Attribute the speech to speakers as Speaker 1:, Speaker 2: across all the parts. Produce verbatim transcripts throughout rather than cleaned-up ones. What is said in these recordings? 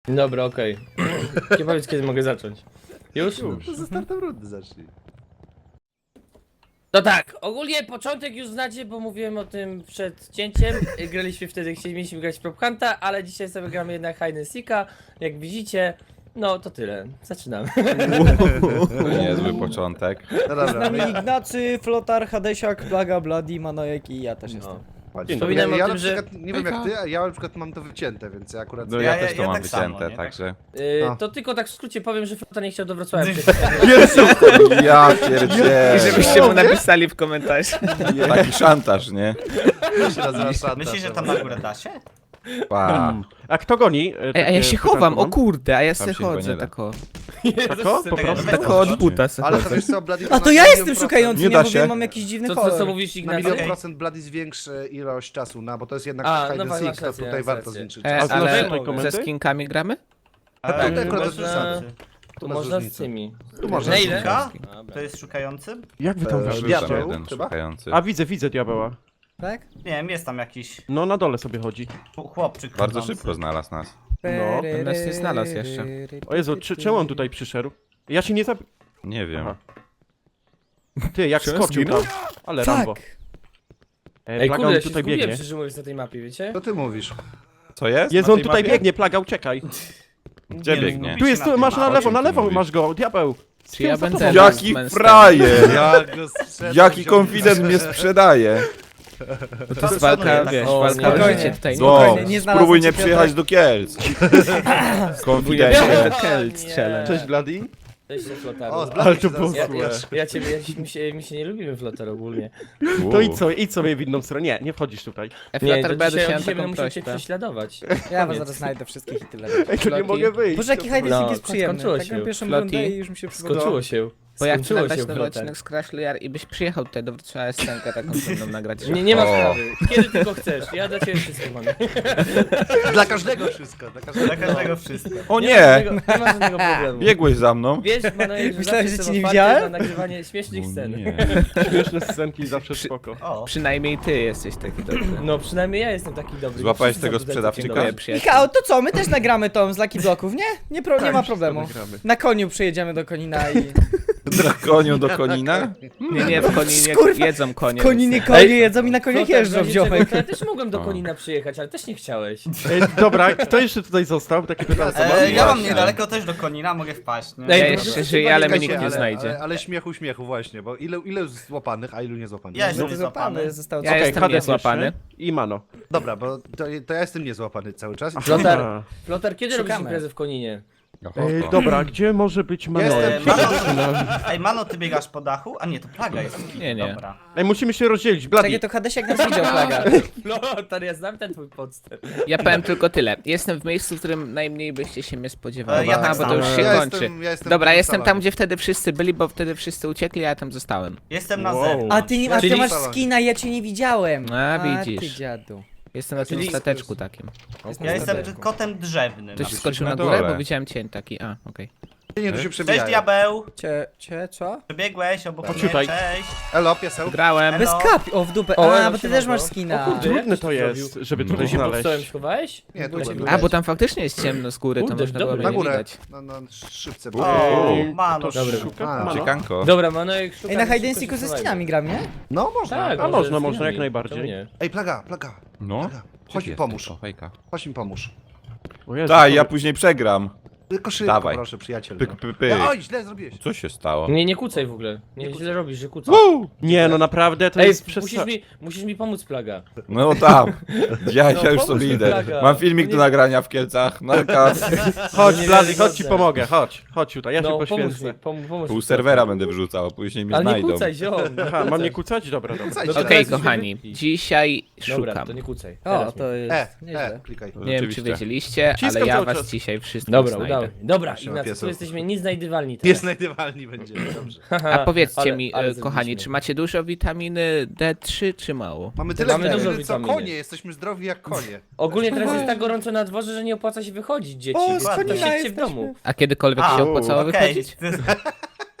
Speaker 1: Dobra, okej. Okay. Nie powiedz, kiedy mogę zacząć. Już?
Speaker 2: Już, ze startem rundy zacznij.
Speaker 1: No tak, ogólnie początek już znacie, bo mówiłem o tym przed cięciem. Graliśmy wtedy, chcieliśmy grać w Prop Hunta, ale dzisiaj sobie gramy jednak Hide and Seeka. Jak widzicie, no to tyle. Zaczynamy.
Speaker 3: Niezły początek.
Speaker 2: No
Speaker 4: Z
Speaker 2: dobra,
Speaker 4: nami
Speaker 2: ja,
Speaker 4: Ignacy, Flotar, Hadesiak, Plaga, Bloody, Manojek i ja też jestem.
Speaker 1: No.
Speaker 2: ja,
Speaker 1: Wspominam o
Speaker 2: ja
Speaker 1: tym,
Speaker 2: na
Speaker 1: że-
Speaker 2: przykład, nie wiem jak ty, a ja na przykład mam to wycięte, więc ja akurat...
Speaker 3: No ja,
Speaker 5: Ja-
Speaker 3: też
Speaker 5: ja-
Speaker 3: to
Speaker 5: ja
Speaker 3: mam
Speaker 5: tak samo,
Speaker 3: wycięte,
Speaker 5: nie?
Speaker 3: także...
Speaker 1: Yy,
Speaker 2: A.
Speaker 1: to tylko tak w skrócie powiem, że Flota nie chciał do Wrocławia.
Speaker 3: Ja pierdzielę.
Speaker 6: I żebyście mu napisali w komentarzu.
Speaker 3: Taki szantaż, nie?
Speaker 2: To się nazywa szantaż.
Speaker 5: Myślisz, że tam na górę da się?
Speaker 3: Pa.
Speaker 7: A kto goni?
Speaker 6: Ej, a ja się chowam, o kurde, a ja se
Speaker 3: się chyba
Speaker 6: chodzę
Speaker 3: nie da.
Speaker 6: tak o.
Speaker 7: Tako? Po prostu?
Speaker 5: Weź
Speaker 6: Tak
Speaker 5: to
Speaker 6: od
Speaker 5: wrzuć.
Speaker 6: buta se
Speaker 2: Ale to
Speaker 6: chodzę.
Speaker 2: wiesz co, Bloody...
Speaker 4: A
Speaker 2: na
Speaker 4: to ja
Speaker 2: milion
Speaker 4: jestem
Speaker 2: procent-
Speaker 4: szukający,
Speaker 3: Nie
Speaker 4: nie,
Speaker 3: da
Speaker 4: bo
Speaker 3: się.
Speaker 4: mam jakiś dziwny
Speaker 1: Co, co,
Speaker 4: kolor.
Speaker 1: co mówisz,
Speaker 2: Na
Speaker 1: Ignacy?
Speaker 2: milion
Speaker 5: Okej.
Speaker 2: procent Bloody zwiększy ilość czasu, no bo to jest jednak
Speaker 1: A,
Speaker 2: hide
Speaker 1: no
Speaker 2: and
Speaker 1: masz
Speaker 2: seek, to
Speaker 1: rację,
Speaker 2: tutaj
Speaker 1: masz
Speaker 2: warto
Speaker 1: rację.
Speaker 2: zwiększyć
Speaker 6: E,
Speaker 2: czas.
Speaker 7: A znasz
Speaker 6: ale
Speaker 7: tutaj
Speaker 6: ze
Speaker 7: komenty?
Speaker 6: skinkami gramy?
Speaker 2: A
Speaker 5: Eee,
Speaker 2: tutaj akurat
Speaker 5: bez
Speaker 2: bez
Speaker 1: można-
Speaker 5: różnicy.
Speaker 2: Tu
Speaker 1: To
Speaker 2: masz
Speaker 1: można z
Speaker 2: różnicę.
Speaker 1: tymi.
Speaker 2: Tu można
Speaker 1: Na
Speaker 2: z
Speaker 1: ile?
Speaker 5: Szuka?
Speaker 1: Dobra.
Speaker 5: To jest szukającym?
Speaker 7: Jak wy tam
Speaker 2: Eee,
Speaker 7: weszliście?
Speaker 3: Rzucam
Speaker 2: Diabeł,
Speaker 3: jeden
Speaker 2: chyba?
Speaker 3: szukający.
Speaker 7: A widzę, widzę diabeła.
Speaker 4: Tak?
Speaker 5: Nie wiem, jest tam jakiś
Speaker 7: No na dole sobie chodzi.
Speaker 5: chłopczyk
Speaker 3: Bardzo
Speaker 5: chodzący.
Speaker 3: szybko znalazł nas.
Speaker 7: No.
Speaker 6: On nas nie znalazł jeszcze.
Speaker 7: O Jezu, czy, czemu on tutaj przyszedł? Ja się nie zab...
Speaker 3: Nie wiem.
Speaker 7: Aha. Ty, jak
Speaker 6: Czy on
Speaker 7: skoczył tam.
Speaker 6: zginął?
Speaker 7: Ale Rambo.
Speaker 4: Tak.
Speaker 7: E,
Speaker 1: Ej,
Speaker 7: Plaga,
Speaker 1: kurde,
Speaker 7: on
Speaker 1: ja się
Speaker 7: tutaj
Speaker 1: zgubiłem,
Speaker 7: biegnie.
Speaker 1: szczerze mówiąc, na tej mapie, wiecie?
Speaker 2: Co ty mówisz?
Speaker 3: Co jest?
Speaker 7: Jezu,
Speaker 3: Na
Speaker 7: on
Speaker 3: tej
Speaker 7: tutaj
Speaker 3: mapie?
Speaker 7: biegnie, Plaga, uciekaj.
Speaker 3: Gdzie
Speaker 5: Nie,
Speaker 3: biegnie?
Speaker 5: no,
Speaker 7: Tu jest, tu, masz na
Speaker 3: O
Speaker 7: lewo,
Speaker 3: czym
Speaker 7: na
Speaker 3: ty
Speaker 7: lewo
Speaker 3: mówisz?
Speaker 7: masz go, diabeł.
Speaker 6: Czy ja
Speaker 7: Za tobą.
Speaker 6: będę-
Speaker 3: Jaki
Speaker 6: Monster.
Speaker 3: frajer!
Speaker 2: Ja go sprzedam,
Speaker 3: Jaki
Speaker 2: wziąłem
Speaker 3: konfident
Speaker 2: za-
Speaker 3: mnie sprzedaje!
Speaker 6: Bo to jest walka, wiesz,
Speaker 1: O,
Speaker 6: walka o
Speaker 4: spokojnie.
Speaker 6: życie tutaj.
Speaker 3: No,
Speaker 4: Spokojnie, nie znalazłem
Speaker 3: spróbuj
Speaker 4: cię,
Speaker 3: nie
Speaker 4: Piotrek.
Speaker 3: przyjechać do Kielc.
Speaker 6: Próbuję
Speaker 3: Konfidencie.
Speaker 6: do Kelc challenge.
Speaker 7: Cześć, Bloody.
Speaker 1: Cześć, Flotar.
Speaker 2: O, z
Speaker 7: Ale to
Speaker 2: Bloody
Speaker 7: było
Speaker 2: zaraz-
Speaker 1: Ja, ja,
Speaker 7: złe.
Speaker 1: ja ciebie, ja, mi, się, mi się nie lubimy Flotar ogólnie.
Speaker 7: To idź sobie, idź sobie w inną stronę. Nie, nie wchodzisz tutaj.
Speaker 1: Nie,
Speaker 6: Flutter
Speaker 1: to
Speaker 6: będę
Speaker 1: dzisiaj,
Speaker 6: się
Speaker 1: dzisiaj będę
Speaker 6: taką
Speaker 1: musiał cię
Speaker 6: prośbę.
Speaker 1: prześladować.
Speaker 4: Ja was
Speaker 1: Koniec.
Speaker 4: zaraz znajdę wszystkich i tyle.
Speaker 7: Ej, to nie
Speaker 6: Floki.
Speaker 7: mogę wyjść.
Speaker 4: Boże, jaki hide and
Speaker 1: No,
Speaker 4: seek jest przyjemny.
Speaker 1: skończyło
Speaker 4: Tak
Speaker 1: się.
Speaker 4: na pierwszą
Speaker 6: Floki.
Speaker 4: rundę i już mi się przygotowało.
Speaker 1: Skończyło się.
Speaker 6: Bo ja chcę
Speaker 1: Skończyło
Speaker 6: nagrać
Speaker 1: się,
Speaker 6: nowy
Speaker 1: Flotar.
Speaker 6: odcinek z Crash Royale i byś przyjechał tutaj do Wrocławia scenkę taką ze mną nagrać.
Speaker 1: Nie, nie ma
Speaker 3: O.
Speaker 1: sprawy. Kiedy tylko chcesz. Ja dla ciebie wszystko mam.
Speaker 2: Dla każdego wszystko, dla każdego.
Speaker 5: Dla każdego wszystko.
Speaker 3: O
Speaker 1: Nie ma
Speaker 3: nie!
Speaker 1: żadnego, nie ma żadnego problemu.
Speaker 3: Biegłeś za mną?
Speaker 1: Wiesz, Manojek, że
Speaker 4: Myślałem,
Speaker 1: zawsze
Speaker 4: że cię
Speaker 1: jestem
Speaker 4: nie
Speaker 1: otwarty
Speaker 4: widziałem?
Speaker 1: na nagrywanie śmiesznych
Speaker 3: O
Speaker 1: scen.
Speaker 3: nie.
Speaker 7: Śmieszne scenki zawsze spoko.
Speaker 5: O,
Speaker 6: Przynajmniej ty jesteś taki dobry.
Speaker 1: No przynajmniej ja jestem taki dobry.
Speaker 3: Złapałeś
Speaker 1: Wszyscy
Speaker 3: tego
Speaker 1: są
Speaker 3: sprzedawczyka?
Speaker 1: całkiem dobrzy.
Speaker 6: Przyjaciół.
Speaker 4: Michał, to co, my też nagramy tą z Lucky Blocków, nie? Nie, pro, nie ma problemu.
Speaker 7: Nagramy.
Speaker 4: Na koniu przyjedziemy do Konina i...
Speaker 3: Koniu do konina?
Speaker 6: Nie, nie, w Koninie
Speaker 4: Kurwa,
Speaker 6: jedzą konie.
Speaker 4: Koninie konie jedzą i na koniach
Speaker 1: Flotar,
Speaker 4: jeżdżą,
Speaker 1: zanim tego-
Speaker 4: ziomek.
Speaker 1: to Ja też mogłem do
Speaker 3: O.
Speaker 1: Konina przyjechać, ale też nie chciałeś.
Speaker 7: Ej, dobra, kto jeszcze tutaj został? Takie pytanie.
Speaker 5: e, ja mam
Speaker 3: Właśnie.
Speaker 5: niedaleko też do Konina, mogę wpaść, nie?
Speaker 1: Ej,
Speaker 6: Ja
Speaker 1: to
Speaker 6: jeszcze
Speaker 1: może
Speaker 6: żyję, ale mnie
Speaker 1: się
Speaker 6: nikt nie
Speaker 2: ale,
Speaker 6: znajdzie.
Speaker 2: Ale, ale śmiechu, śmiechu właśnie, bo ile, ile złapanych, a ilu niezłapanych?
Speaker 5: Ja
Speaker 4: No
Speaker 5: jestem
Speaker 4: to
Speaker 5: niezłapany.
Speaker 4: złapany, zostało
Speaker 6: Ja
Speaker 4: co?
Speaker 7: Okej,
Speaker 6: jestem
Speaker 7: Hades
Speaker 6: niezłapany.
Speaker 7: jeszcze I Mano.
Speaker 2: Dobra, bo to, to ja jestem niezłapany cały czas.
Speaker 1: Flotar,
Speaker 7: A.
Speaker 1: Flotar, kiedy robisz
Speaker 4: Szukamy.
Speaker 1: imprezę w Koninie?
Speaker 7: Ej, dobra, gdzie może być Mano?
Speaker 2: Jestem-
Speaker 5: Mano, ej, Mano, ty biegasz po dachu? A nie, to plaga jest.
Speaker 6: Nie, nie.
Speaker 5: Dobra.
Speaker 7: Ej, musimy się rozdzielić. Bloody.
Speaker 4: Czekaj, to Hadesiak nas widział, Plaga.
Speaker 1: Flotar, ja znam ten twój podstęp.
Speaker 6: Ja powiem tylko tyle. Jestem w miejscu, w którym najmniej byście się mnie spodziewali.
Speaker 5: E, ja tak
Speaker 6: Aha, bo to
Speaker 5: samo.
Speaker 6: już się
Speaker 2: Ja
Speaker 6: kończy.
Speaker 2: jestem- ja jestem
Speaker 6: Dobra,
Speaker 2: w
Speaker 6: jestem
Speaker 2: salonie.
Speaker 6: tam, gdzie wtedy wszyscy byli, bo wtedy wszyscy uciekli, a ja tam zostałem.
Speaker 5: Jestem na
Speaker 7: Wow.
Speaker 5: zewnątrz.
Speaker 4: A ty, nie, a ty
Speaker 1: Czyli-
Speaker 4: masz skina, ja cię nie widziałem.
Speaker 6: A,
Speaker 4: ty
Speaker 6: widzisz.
Speaker 4: dziadu.
Speaker 6: Jestem na tym
Speaker 1: Czyli-
Speaker 6: stateczku takim.
Speaker 5: Ja jestem kotem drzewnym.
Speaker 6: Ktoś
Speaker 3: Napisz
Speaker 6: skoczył
Speaker 3: na
Speaker 6: na górę,
Speaker 3: dole.
Speaker 6: bo widziałem cień taki. A, okej.
Speaker 2: Nie, tu się
Speaker 5: Cześć,
Speaker 2: przebijają.
Speaker 5: diabeł!
Speaker 4: Cie, cie, co?
Speaker 5: Przebiegłeś obok mnie,
Speaker 7: Pociutaj.
Speaker 5: cześć!
Speaker 2: Elo, pieseł.
Speaker 6: Grałem.
Speaker 4: Bez
Speaker 5: No.
Speaker 4: kapi, o w dupę.
Speaker 1: O,
Speaker 4: A,
Speaker 1: elo,
Speaker 4: bo ty
Speaker 1: siema,
Speaker 4: też masz
Speaker 1: bro.
Speaker 4: skina.
Speaker 1: O kurde.
Speaker 7: Trudne
Speaker 1: Jak
Speaker 7: to
Speaker 1: to
Speaker 7: jest,
Speaker 1: zrobił?
Speaker 7: żeby
Speaker 3: No.
Speaker 7: tutaj
Speaker 1: Ty się pod stołem
Speaker 7: znaleźć.
Speaker 1: schowałeś?
Speaker 2: Nie, tu
Speaker 1: Byłeś
Speaker 2: byłem.
Speaker 1: jak
Speaker 6: A, bo tam faktycznie jest ciemno z góry, to
Speaker 1: Kurde,
Speaker 6: można było
Speaker 1: dobry.
Speaker 6: mnie
Speaker 2: Na
Speaker 6: nie
Speaker 2: górę.
Speaker 6: widać.
Speaker 2: Na, na szybce.
Speaker 5: O,
Speaker 7: Ej,
Speaker 5: Mano,
Speaker 7: to
Speaker 1: Dobra.
Speaker 7: szuka
Speaker 2: A,
Speaker 7: Mano.
Speaker 3: Ciekanko.
Speaker 1: Dobra, Manojek szuka...
Speaker 4: Ej, na
Speaker 1: szybko
Speaker 4: hide and
Speaker 1: się
Speaker 4: seeku ze
Speaker 1: schowajmy.
Speaker 4: skinami gram, nie?
Speaker 2: No, można.
Speaker 1: Tak,
Speaker 7: A
Speaker 1: może
Speaker 7: można,
Speaker 1: z
Speaker 7: można,
Speaker 1: nami.
Speaker 7: jak najbardziej.
Speaker 1: Czemu nie?
Speaker 2: Ej, plaga, plaga.
Speaker 3: No.
Speaker 2: Plaga. Chodź mi
Speaker 3: Jest
Speaker 2: pomóż.
Speaker 3: tylko Fejka.
Speaker 2: Chodź mi pomóż.
Speaker 7: O Jezu,
Speaker 3: Daj,
Speaker 7: to-
Speaker 3: ja później przegram.
Speaker 2: Tylko szybko,
Speaker 3: Dawaj.
Speaker 2: proszę, przyjaciel.
Speaker 3: Pyk,
Speaker 2: no.
Speaker 3: pyk, pyk.
Speaker 2: Ja, oj, źle zrobiłeś.
Speaker 3: Co się stało?
Speaker 1: Nie, nie kucaj w ogóle. Nie, źle robisz, że kucasz.
Speaker 3: Woo!
Speaker 7: Nie, no naprawdę, to
Speaker 1: Ej,
Speaker 7: jest
Speaker 1: musisz
Speaker 7: przesa...
Speaker 1: mi, musisz mi pomóc, Plaga.
Speaker 3: No tam. Ja,
Speaker 1: No,
Speaker 3: ja już
Speaker 1: pomóż
Speaker 3: sobie
Speaker 1: mi,
Speaker 3: idę.
Speaker 1: Plaga.
Speaker 3: Mam filmik
Speaker 1: Nie-
Speaker 3: do nagrania w Kielcach. Narka.
Speaker 7: Chodź,
Speaker 1: Nie
Speaker 7: Blady,
Speaker 1: wiarygodne.
Speaker 7: chodź ci pomogę, chodź. Chodź tutaj, ja cię
Speaker 1: No, pomóż
Speaker 7: poświęcę.
Speaker 1: mi, pom, pomóż
Speaker 3: Pół
Speaker 1: mi.
Speaker 3: serwera będę wrzucał, a później mnie
Speaker 1: Ale nie
Speaker 3: znajdą.
Speaker 1: kucaj, ziom.
Speaker 7: Aha, mam nie kucać? Dobra, dobra.
Speaker 2: Kucajcie.
Speaker 1: No to
Speaker 6: Okej,
Speaker 1: teraz już
Speaker 6: kochani,
Speaker 1: mnie
Speaker 6: dzisiaj
Speaker 1: Dobra,
Speaker 6: szukam.
Speaker 1: to nie kucaj.
Speaker 4: O,
Speaker 1: Teraz
Speaker 4: to
Speaker 1: mi.
Speaker 2: E,
Speaker 4: jest
Speaker 2: e,
Speaker 4: nieźle.
Speaker 2: klikaj.
Speaker 6: Nie wiem, czy
Speaker 3: Rzeczywiście.
Speaker 6: wiedzieliście,
Speaker 7: Wciskam
Speaker 6: ale ja
Speaker 7: cały
Speaker 6: was
Speaker 7: czas.
Speaker 6: dzisiaj wszystko
Speaker 1: Dobra,
Speaker 6: znajdę.
Speaker 1: udało. Dobra,
Speaker 2: Siema,
Speaker 1: Ignacy, tu
Speaker 2: pieseł.
Speaker 1: jesteśmy nieznajdywalni
Speaker 2: Nie
Speaker 1: teraz.
Speaker 2: znajdywalni będzie, dobrze.
Speaker 6: A powiedzcie
Speaker 1: Ale-
Speaker 6: mi,
Speaker 1: ale
Speaker 6: e, kochani,
Speaker 1: zrobiliśmy.
Speaker 6: czy macie dużo witaminy D trzy, czy mało?
Speaker 2: Mamy tyle
Speaker 1: Mamy dużo
Speaker 2: witaminy, co
Speaker 1: witaminy.
Speaker 2: konie, jesteśmy zdrowi jak konie.
Speaker 1: Ogólnie teraz jest tak gorąco na dworze, że nie opłaca się wychodzić, dzieci.
Speaker 4: O,
Speaker 1: więc
Speaker 4: z
Speaker 1: to
Speaker 4: Konina
Speaker 1: siedźcie w
Speaker 4: jesteśmy.
Speaker 1: domu.
Speaker 6: A kiedykolwiek
Speaker 5: A,
Speaker 6: się opłacało
Speaker 5: okej.
Speaker 6: wychodzić?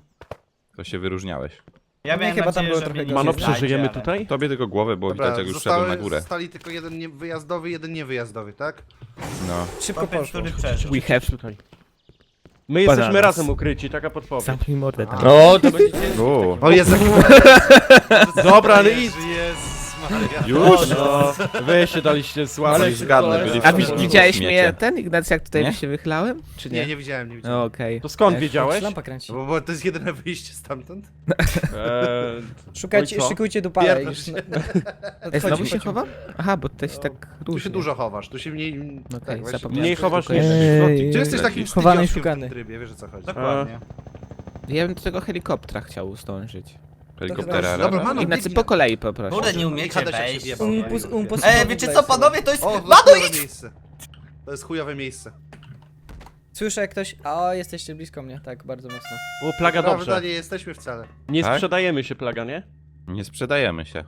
Speaker 3: To się wyróżniałeś.
Speaker 5: Ja
Speaker 4: Nie,
Speaker 5: miałem
Speaker 4: chyba tam
Speaker 5: nadzieję,
Speaker 4: było
Speaker 5: że
Speaker 4: trochę
Speaker 5: mnie nie
Speaker 7: Mano,
Speaker 5: znajdzie,
Speaker 7: przeżyjemy
Speaker 5: ale-
Speaker 7: tutaj?
Speaker 3: Tobie tylko głowę, bo
Speaker 2: Dobra,
Speaker 3: widać jak już szedłem na
Speaker 2: zostały,
Speaker 3: górę.
Speaker 2: zostali tylko jeden nie- wyjazdowy, jeden niewyjazdowy, tak?
Speaker 3: No.
Speaker 4: Szybko
Speaker 5: Chłopiec,
Speaker 4: poszło.
Speaker 5: który przeżył.
Speaker 6: We have.
Speaker 7: Tutaj. My jesteśmy
Speaker 6: Bananas.
Speaker 7: razem ukryci, taka podpowiedź.
Speaker 6: Zamknij mordę tam.
Speaker 1: No, to będzie ciężko.
Speaker 3: U,
Speaker 2: O Jezu.
Speaker 7: Dobra, ale idź.
Speaker 2: Jezus Maria.
Speaker 3: już?
Speaker 7: No, wy się daliście
Speaker 1: Ale
Speaker 7: słabe.
Speaker 3: Zgadnę, byli
Speaker 6: A
Speaker 3: w
Speaker 6: wi-
Speaker 3: tym
Speaker 6: widziałeś
Speaker 3: śmiecie.
Speaker 6: mnie, ten Ignacy, jak tutaj
Speaker 3: Nie?
Speaker 6: się wychylałem? Czy nie?
Speaker 2: Nie, nie widziałem, nie widziałem.
Speaker 6: No okej.
Speaker 7: To skąd
Speaker 4: Ej,
Speaker 7: wiedziałeś?
Speaker 4: Lampa kręci.
Speaker 2: Bo, bo to jest jedyne wyjście stamtąd.
Speaker 7: Eee,
Speaker 4: Szukajcie,
Speaker 7: no i co?
Speaker 4: szykujcie dupale.
Speaker 2: Pierdol
Speaker 4: Już
Speaker 2: się.
Speaker 4: na-
Speaker 6: Ej, znowu
Speaker 4: Chodźmy,
Speaker 6: się
Speaker 4: chodźmy.
Speaker 6: chowam? Aha, bo to się tak
Speaker 2: Tu
Speaker 6: różnie.
Speaker 2: się dużo chowasz, tu się mniej...
Speaker 6: Okej,
Speaker 2: tak, właśnie.
Speaker 6: zapomniałem.
Speaker 7: Mniej chowasz niż
Speaker 6: Ej.
Speaker 2: Gdzie jesteś takim
Speaker 4: Chowany i
Speaker 2: wstydziaszkiem w
Speaker 4: szukany.
Speaker 2: tym trybie, wiesz o co chodzi.
Speaker 5: Dokładnie.
Speaker 6: Ja bym do tego helikoptera chciał zdążyć.
Speaker 3: Helikoptera.
Speaker 2: Dobra,
Speaker 3: Rara.
Speaker 2: Mano,
Speaker 6: Ignacy,
Speaker 2: biegnij.
Speaker 6: po kolei poproszę.
Speaker 5: Kurde, nie umiecie
Speaker 2: Hadesiak się
Speaker 5: wejść.
Speaker 2: wjebał.
Speaker 4: Um, pus- um, pus-
Speaker 5: Ej, wiecie co, panowie, to jest...
Speaker 2: O, to jest
Speaker 5: Mano,
Speaker 2: chujowe
Speaker 5: idź!
Speaker 2: miejsce. To jest chujowe miejsce.
Speaker 4: Słyszę jak ktoś... O, jesteście blisko mnie, tak, bardzo mocno.
Speaker 7: O, plaga
Speaker 2: Prawda,
Speaker 7: dobrze.
Speaker 2: nie jesteśmy wcale.
Speaker 7: Nie
Speaker 3: Tak?
Speaker 7: sprzedajemy się, plaga, nie?
Speaker 3: Nie sprzedajemy się.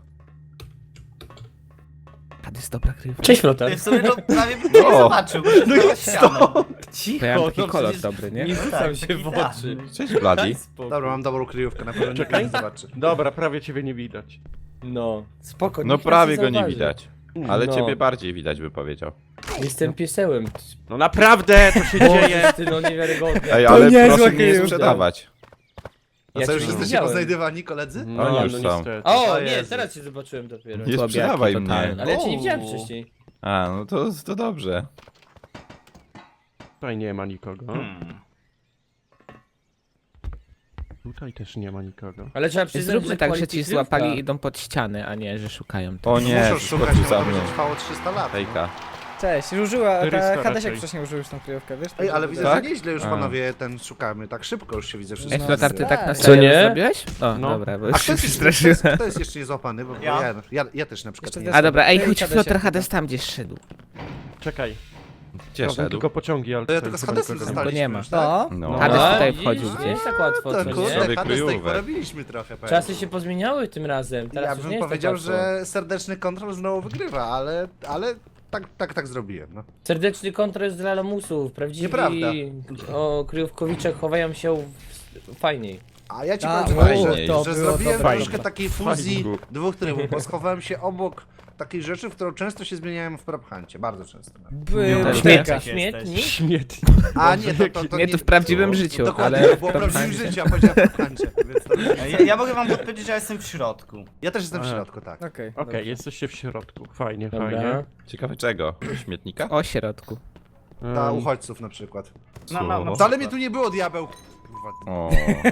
Speaker 6: A to jest dobra kryjówka.
Speaker 1: Cześć, Flotar.
Speaker 5: Ty w sumie to prawie bym nie
Speaker 3: No.
Speaker 5: zobaczył, bo to
Speaker 7: No
Speaker 5: jest
Speaker 7: jest
Speaker 5: ścianą.
Speaker 6: Bo ja mam taki
Speaker 1: no
Speaker 6: kolor
Speaker 1: przecież
Speaker 6: dobry, nie?
Speaker 1: Nie rzucam
Speaker 5: Tak,
Speaker 1: się
Speaker 5: taki
Speaker 1: w
Speaker 5: tak.
Speaker 1: oczy.
Speaker 3: Cześć, Bloody.
Speaker 1: Spoko.
Speaker 2: Dobra, mam dobrą kryjówkę, na pewno nikt
Speaker 7: Czekaj.
Speaker 2: nie zobaczy.
Speaker 7: Dobra, prawie ciebie nie widać.
Speaker 1: No, spoko.
Speaker 3: No
Speaker 1: nikt nas
Speaker 3: prawie go nie
Speaker 1: zauważy.
Speaker 3: widać. Ale
Speaker 1: No.
Speaker 3: ciebie bardziej widać, by powiedział.
Speaker 1: Jestem piesełem.
Speaker 7: No naprawdę, to się dzieje.
Speaker 1: Boże, ty no niewiarygodne.
Speaker 3: Ej,
Speaker 4: To
Speaker 3: ale
Speaker 4: niezła
Speaker 3: proszę nie
Speaker 4: kryjówka.
Speaker 3: sprzedawać.
Speaker 2: A
Speaker 1: Ja
Speaker 2: co,
Speaker 1: cię
Speaker 2: już
Speaker 1: nie
Speaker 2: jesteście
Speaker 1: widziałem.
Speaker 2: poznajdywani, koledzy?
Speaker 7: No,
Speaker 3: Oni
Speaker 7: nie,
Speaker 3: już
Speaker 7: no
Speaker 3: są.
Speaker 7: niestety.
Speaker 1: O,
Speaker 2: O
Speaker 1: nie,
Speaker 2: Jezu.
Speaker 1: teraz cię zobaczyłem dopiero.
Speaker 3: Nie
Speaker 6: Słabiaki
Speaker 3: sprzedawaj mnie.
Speaker 6: totalne.
Speaker 1: Ale ja cię nie
Speaker 2: O.
Speaker 1: widziałem wcześniej.
Speaker 3: A, no to, to dobrze.
Speaker 7: Tutaj nie ma nikogo.
Speaker 5: Hmm.
Speaker 7: Tutaj też nie ma nikogo.
Speaker 1: Ale trzeba przyznać,
Speaker 6: Zróbmy
Speaker 1: że
Speaker 6: tak, że
Speaker 1: quality
Speaker 6: ci
Speaker 1: kryjówka.
Speaker 6: złapali i idą pod ściany, a nie, że szukają.
Speaker 3: O nie,
Speaker 2: Muszę szukać,
Speaker 3: skoczył
Speaker 2: no
Speaker 3: za
Speaker 2: to
Speaker 3: mną.
Speaker 2: będzie trwało trzysta lat.
Speaker 3: Hejka.
Speaker 4: Cześć, użyła,
Speaker 7: Ryska
Speaker 4: ta
Speaker 7: raczej.
Speaker 4: Hadesiak wcześniej użył już tą kryjówkę, wiesz?
Speaker 2: Ej, ale widzę,
Speaker 3: Tak?
Speaker 2: że nieźle już
Speaker 3: A.
Speaker 2: panowie ten szukamy, tak szybko już się widzę wszystko.
Speaker 6: Ej,
Speaker 4: No,
Speaker 6: Flotar, ty tak na
Speaker 4: tak.
Speaker 6: serio
Speaker 1: Co nie?
Speaker 6: zrobiłeś? O,
Speaker 7: No.
Speaker 6: dobra, bo
Speaker 2: A
Speaker 6: już
Speaker 2: kto
Speaker 6: się
Speaker 2: jest, kto,
Speaker 6: przestraszyłem.
Speaker 2: jest, kto jest jeszcze niezłapany? Bo ja,
Speaker 5: Ja.
Speaker 2: ja, ja też na przykład
Speaker 4: Jeszcze
Speaker 2: nie
Speaker 6: A dobra, ej,
Speaker 4: Ej,
Speaker 6: chodź
Speaker 4: Hadesiak,
Speaker 6: Flotar,
Speaker 4: tak.
Speaker 6: Hades tam gdzieś szedł.
Speaker 7: Czekaj.
Speaker 3: Gdzie
Speaker 7: Robią
Speaker 3: szedł?
Speaker 7: tylko pociągi, ale
Speaker 2: To ja
Speaker 7: tutaj
Speaker 2: tylko z
Speaker 7: chyba
Speaker 2: Hadesem
Speaker 7: nikogo
Speaker 6: Bo
Speaker 2: zostaliśmy
Speaker 6: nie ma.
Speaker 2: już, tak?
Speaker 4: To?
Speaker 3: No.
Speaker 6: Hades
Speaker 1: A,
Speaker 6: tutaj
Speaker 1: widzisz?
Speaker 6: wchodził
Speaker 1: Nie
Speaker 6: gdzieś.
Speaker 1: jest tak łatwo,
Speaker 2: To
Speaker 1: co
Speaker 2: kurde,
Speaker 1: nie?
Speaker 3: Sobie
Speaker 2: Hades tutaj
Speaker 3: kryjówek.
Speaker 2: porobiliśmy trochę, powiem.
Speaker 1: Czasy się pozmieniały tym razem. Teraz
Speaker 2: Ja
Speaker 1: już nie
Speaker 2: bym
Speaker 1: jest
Speaker 2: powiedział,
Speaker 1: tak łatwo.
Speaker 2: że serdeczny kontrol znowu wygrywa, ale, ale tak, tak, tak zrobiłem, no.
Speaker 1: Serdeczny kontrol jest dla lamusów. Prawdziwi
Speaker 2: Nieprawda.
Speaker 1: o, kryjówkowicze chowają się w... fajniej.
Speaker 2: A ja ci
Speaker 4: A,
Speaker 2: powiem,
Speaker 3: fajnie,
Speaker 2: że,
Speaker 4: to
Speaker 2: że
Speaker 4: było
Speaker 2: zrobiłem
Speaker 4: dobre.
Speaker 2: troszkę takiej fuzji
Speaker 3: Fajnie.
Speaker 2: dwóch trybów, bo schowałem się obok takiej rzeczy, w którą często się zmieniałem w Prophancie, bardzo często.
Speaker 4: Był
Speaker 5: Też
Speaker 4: butelka.
Speaker 5: jesteś.
Speaker 1: Śmietnik?
Speaker 7: Śmietnik.
Speaker 2: A nie, to, to, to
Speaker 6: Nie, to w prawdziwym
Speaker 2: to-
Speaker 6: życiu,
Speaker 2: Dokładnie,
Speaker 6: ale
Speaker 2: to było
Speaker 6: w
Speaker 2: prawdziwym
Speaker 6: Prophancie.
Speaker 2: życiu, a powiedziałem w Prophancie, więc to...
Speaker 5: Ja, ja mogę wam podpowiedzieć, że ja jestem w środku.
Speaker 2: Ja też jestem w
Speaker 7: A.
Speaker 2: środku, tak.
Speaker 4: Okej.
Speaker 7: Okej,
Speaker 4: dobra.
Speaker 7: jesteście w środku. Fajnie,
Speaker 1: Dobra.
Speaker 7: fajnie.
Speaker 3: Ciekawe czego? Śmietnika?
Speaker 6: O środku.
Speaker 2: Dla
Speaker 7: Em,
Speaker 2: uchodźców na przykład.
Speaker 5: No, no, no.
Speaker 2: Wcale mnie tu nie było, diabeł! Kurwa.
Speaker 3: O,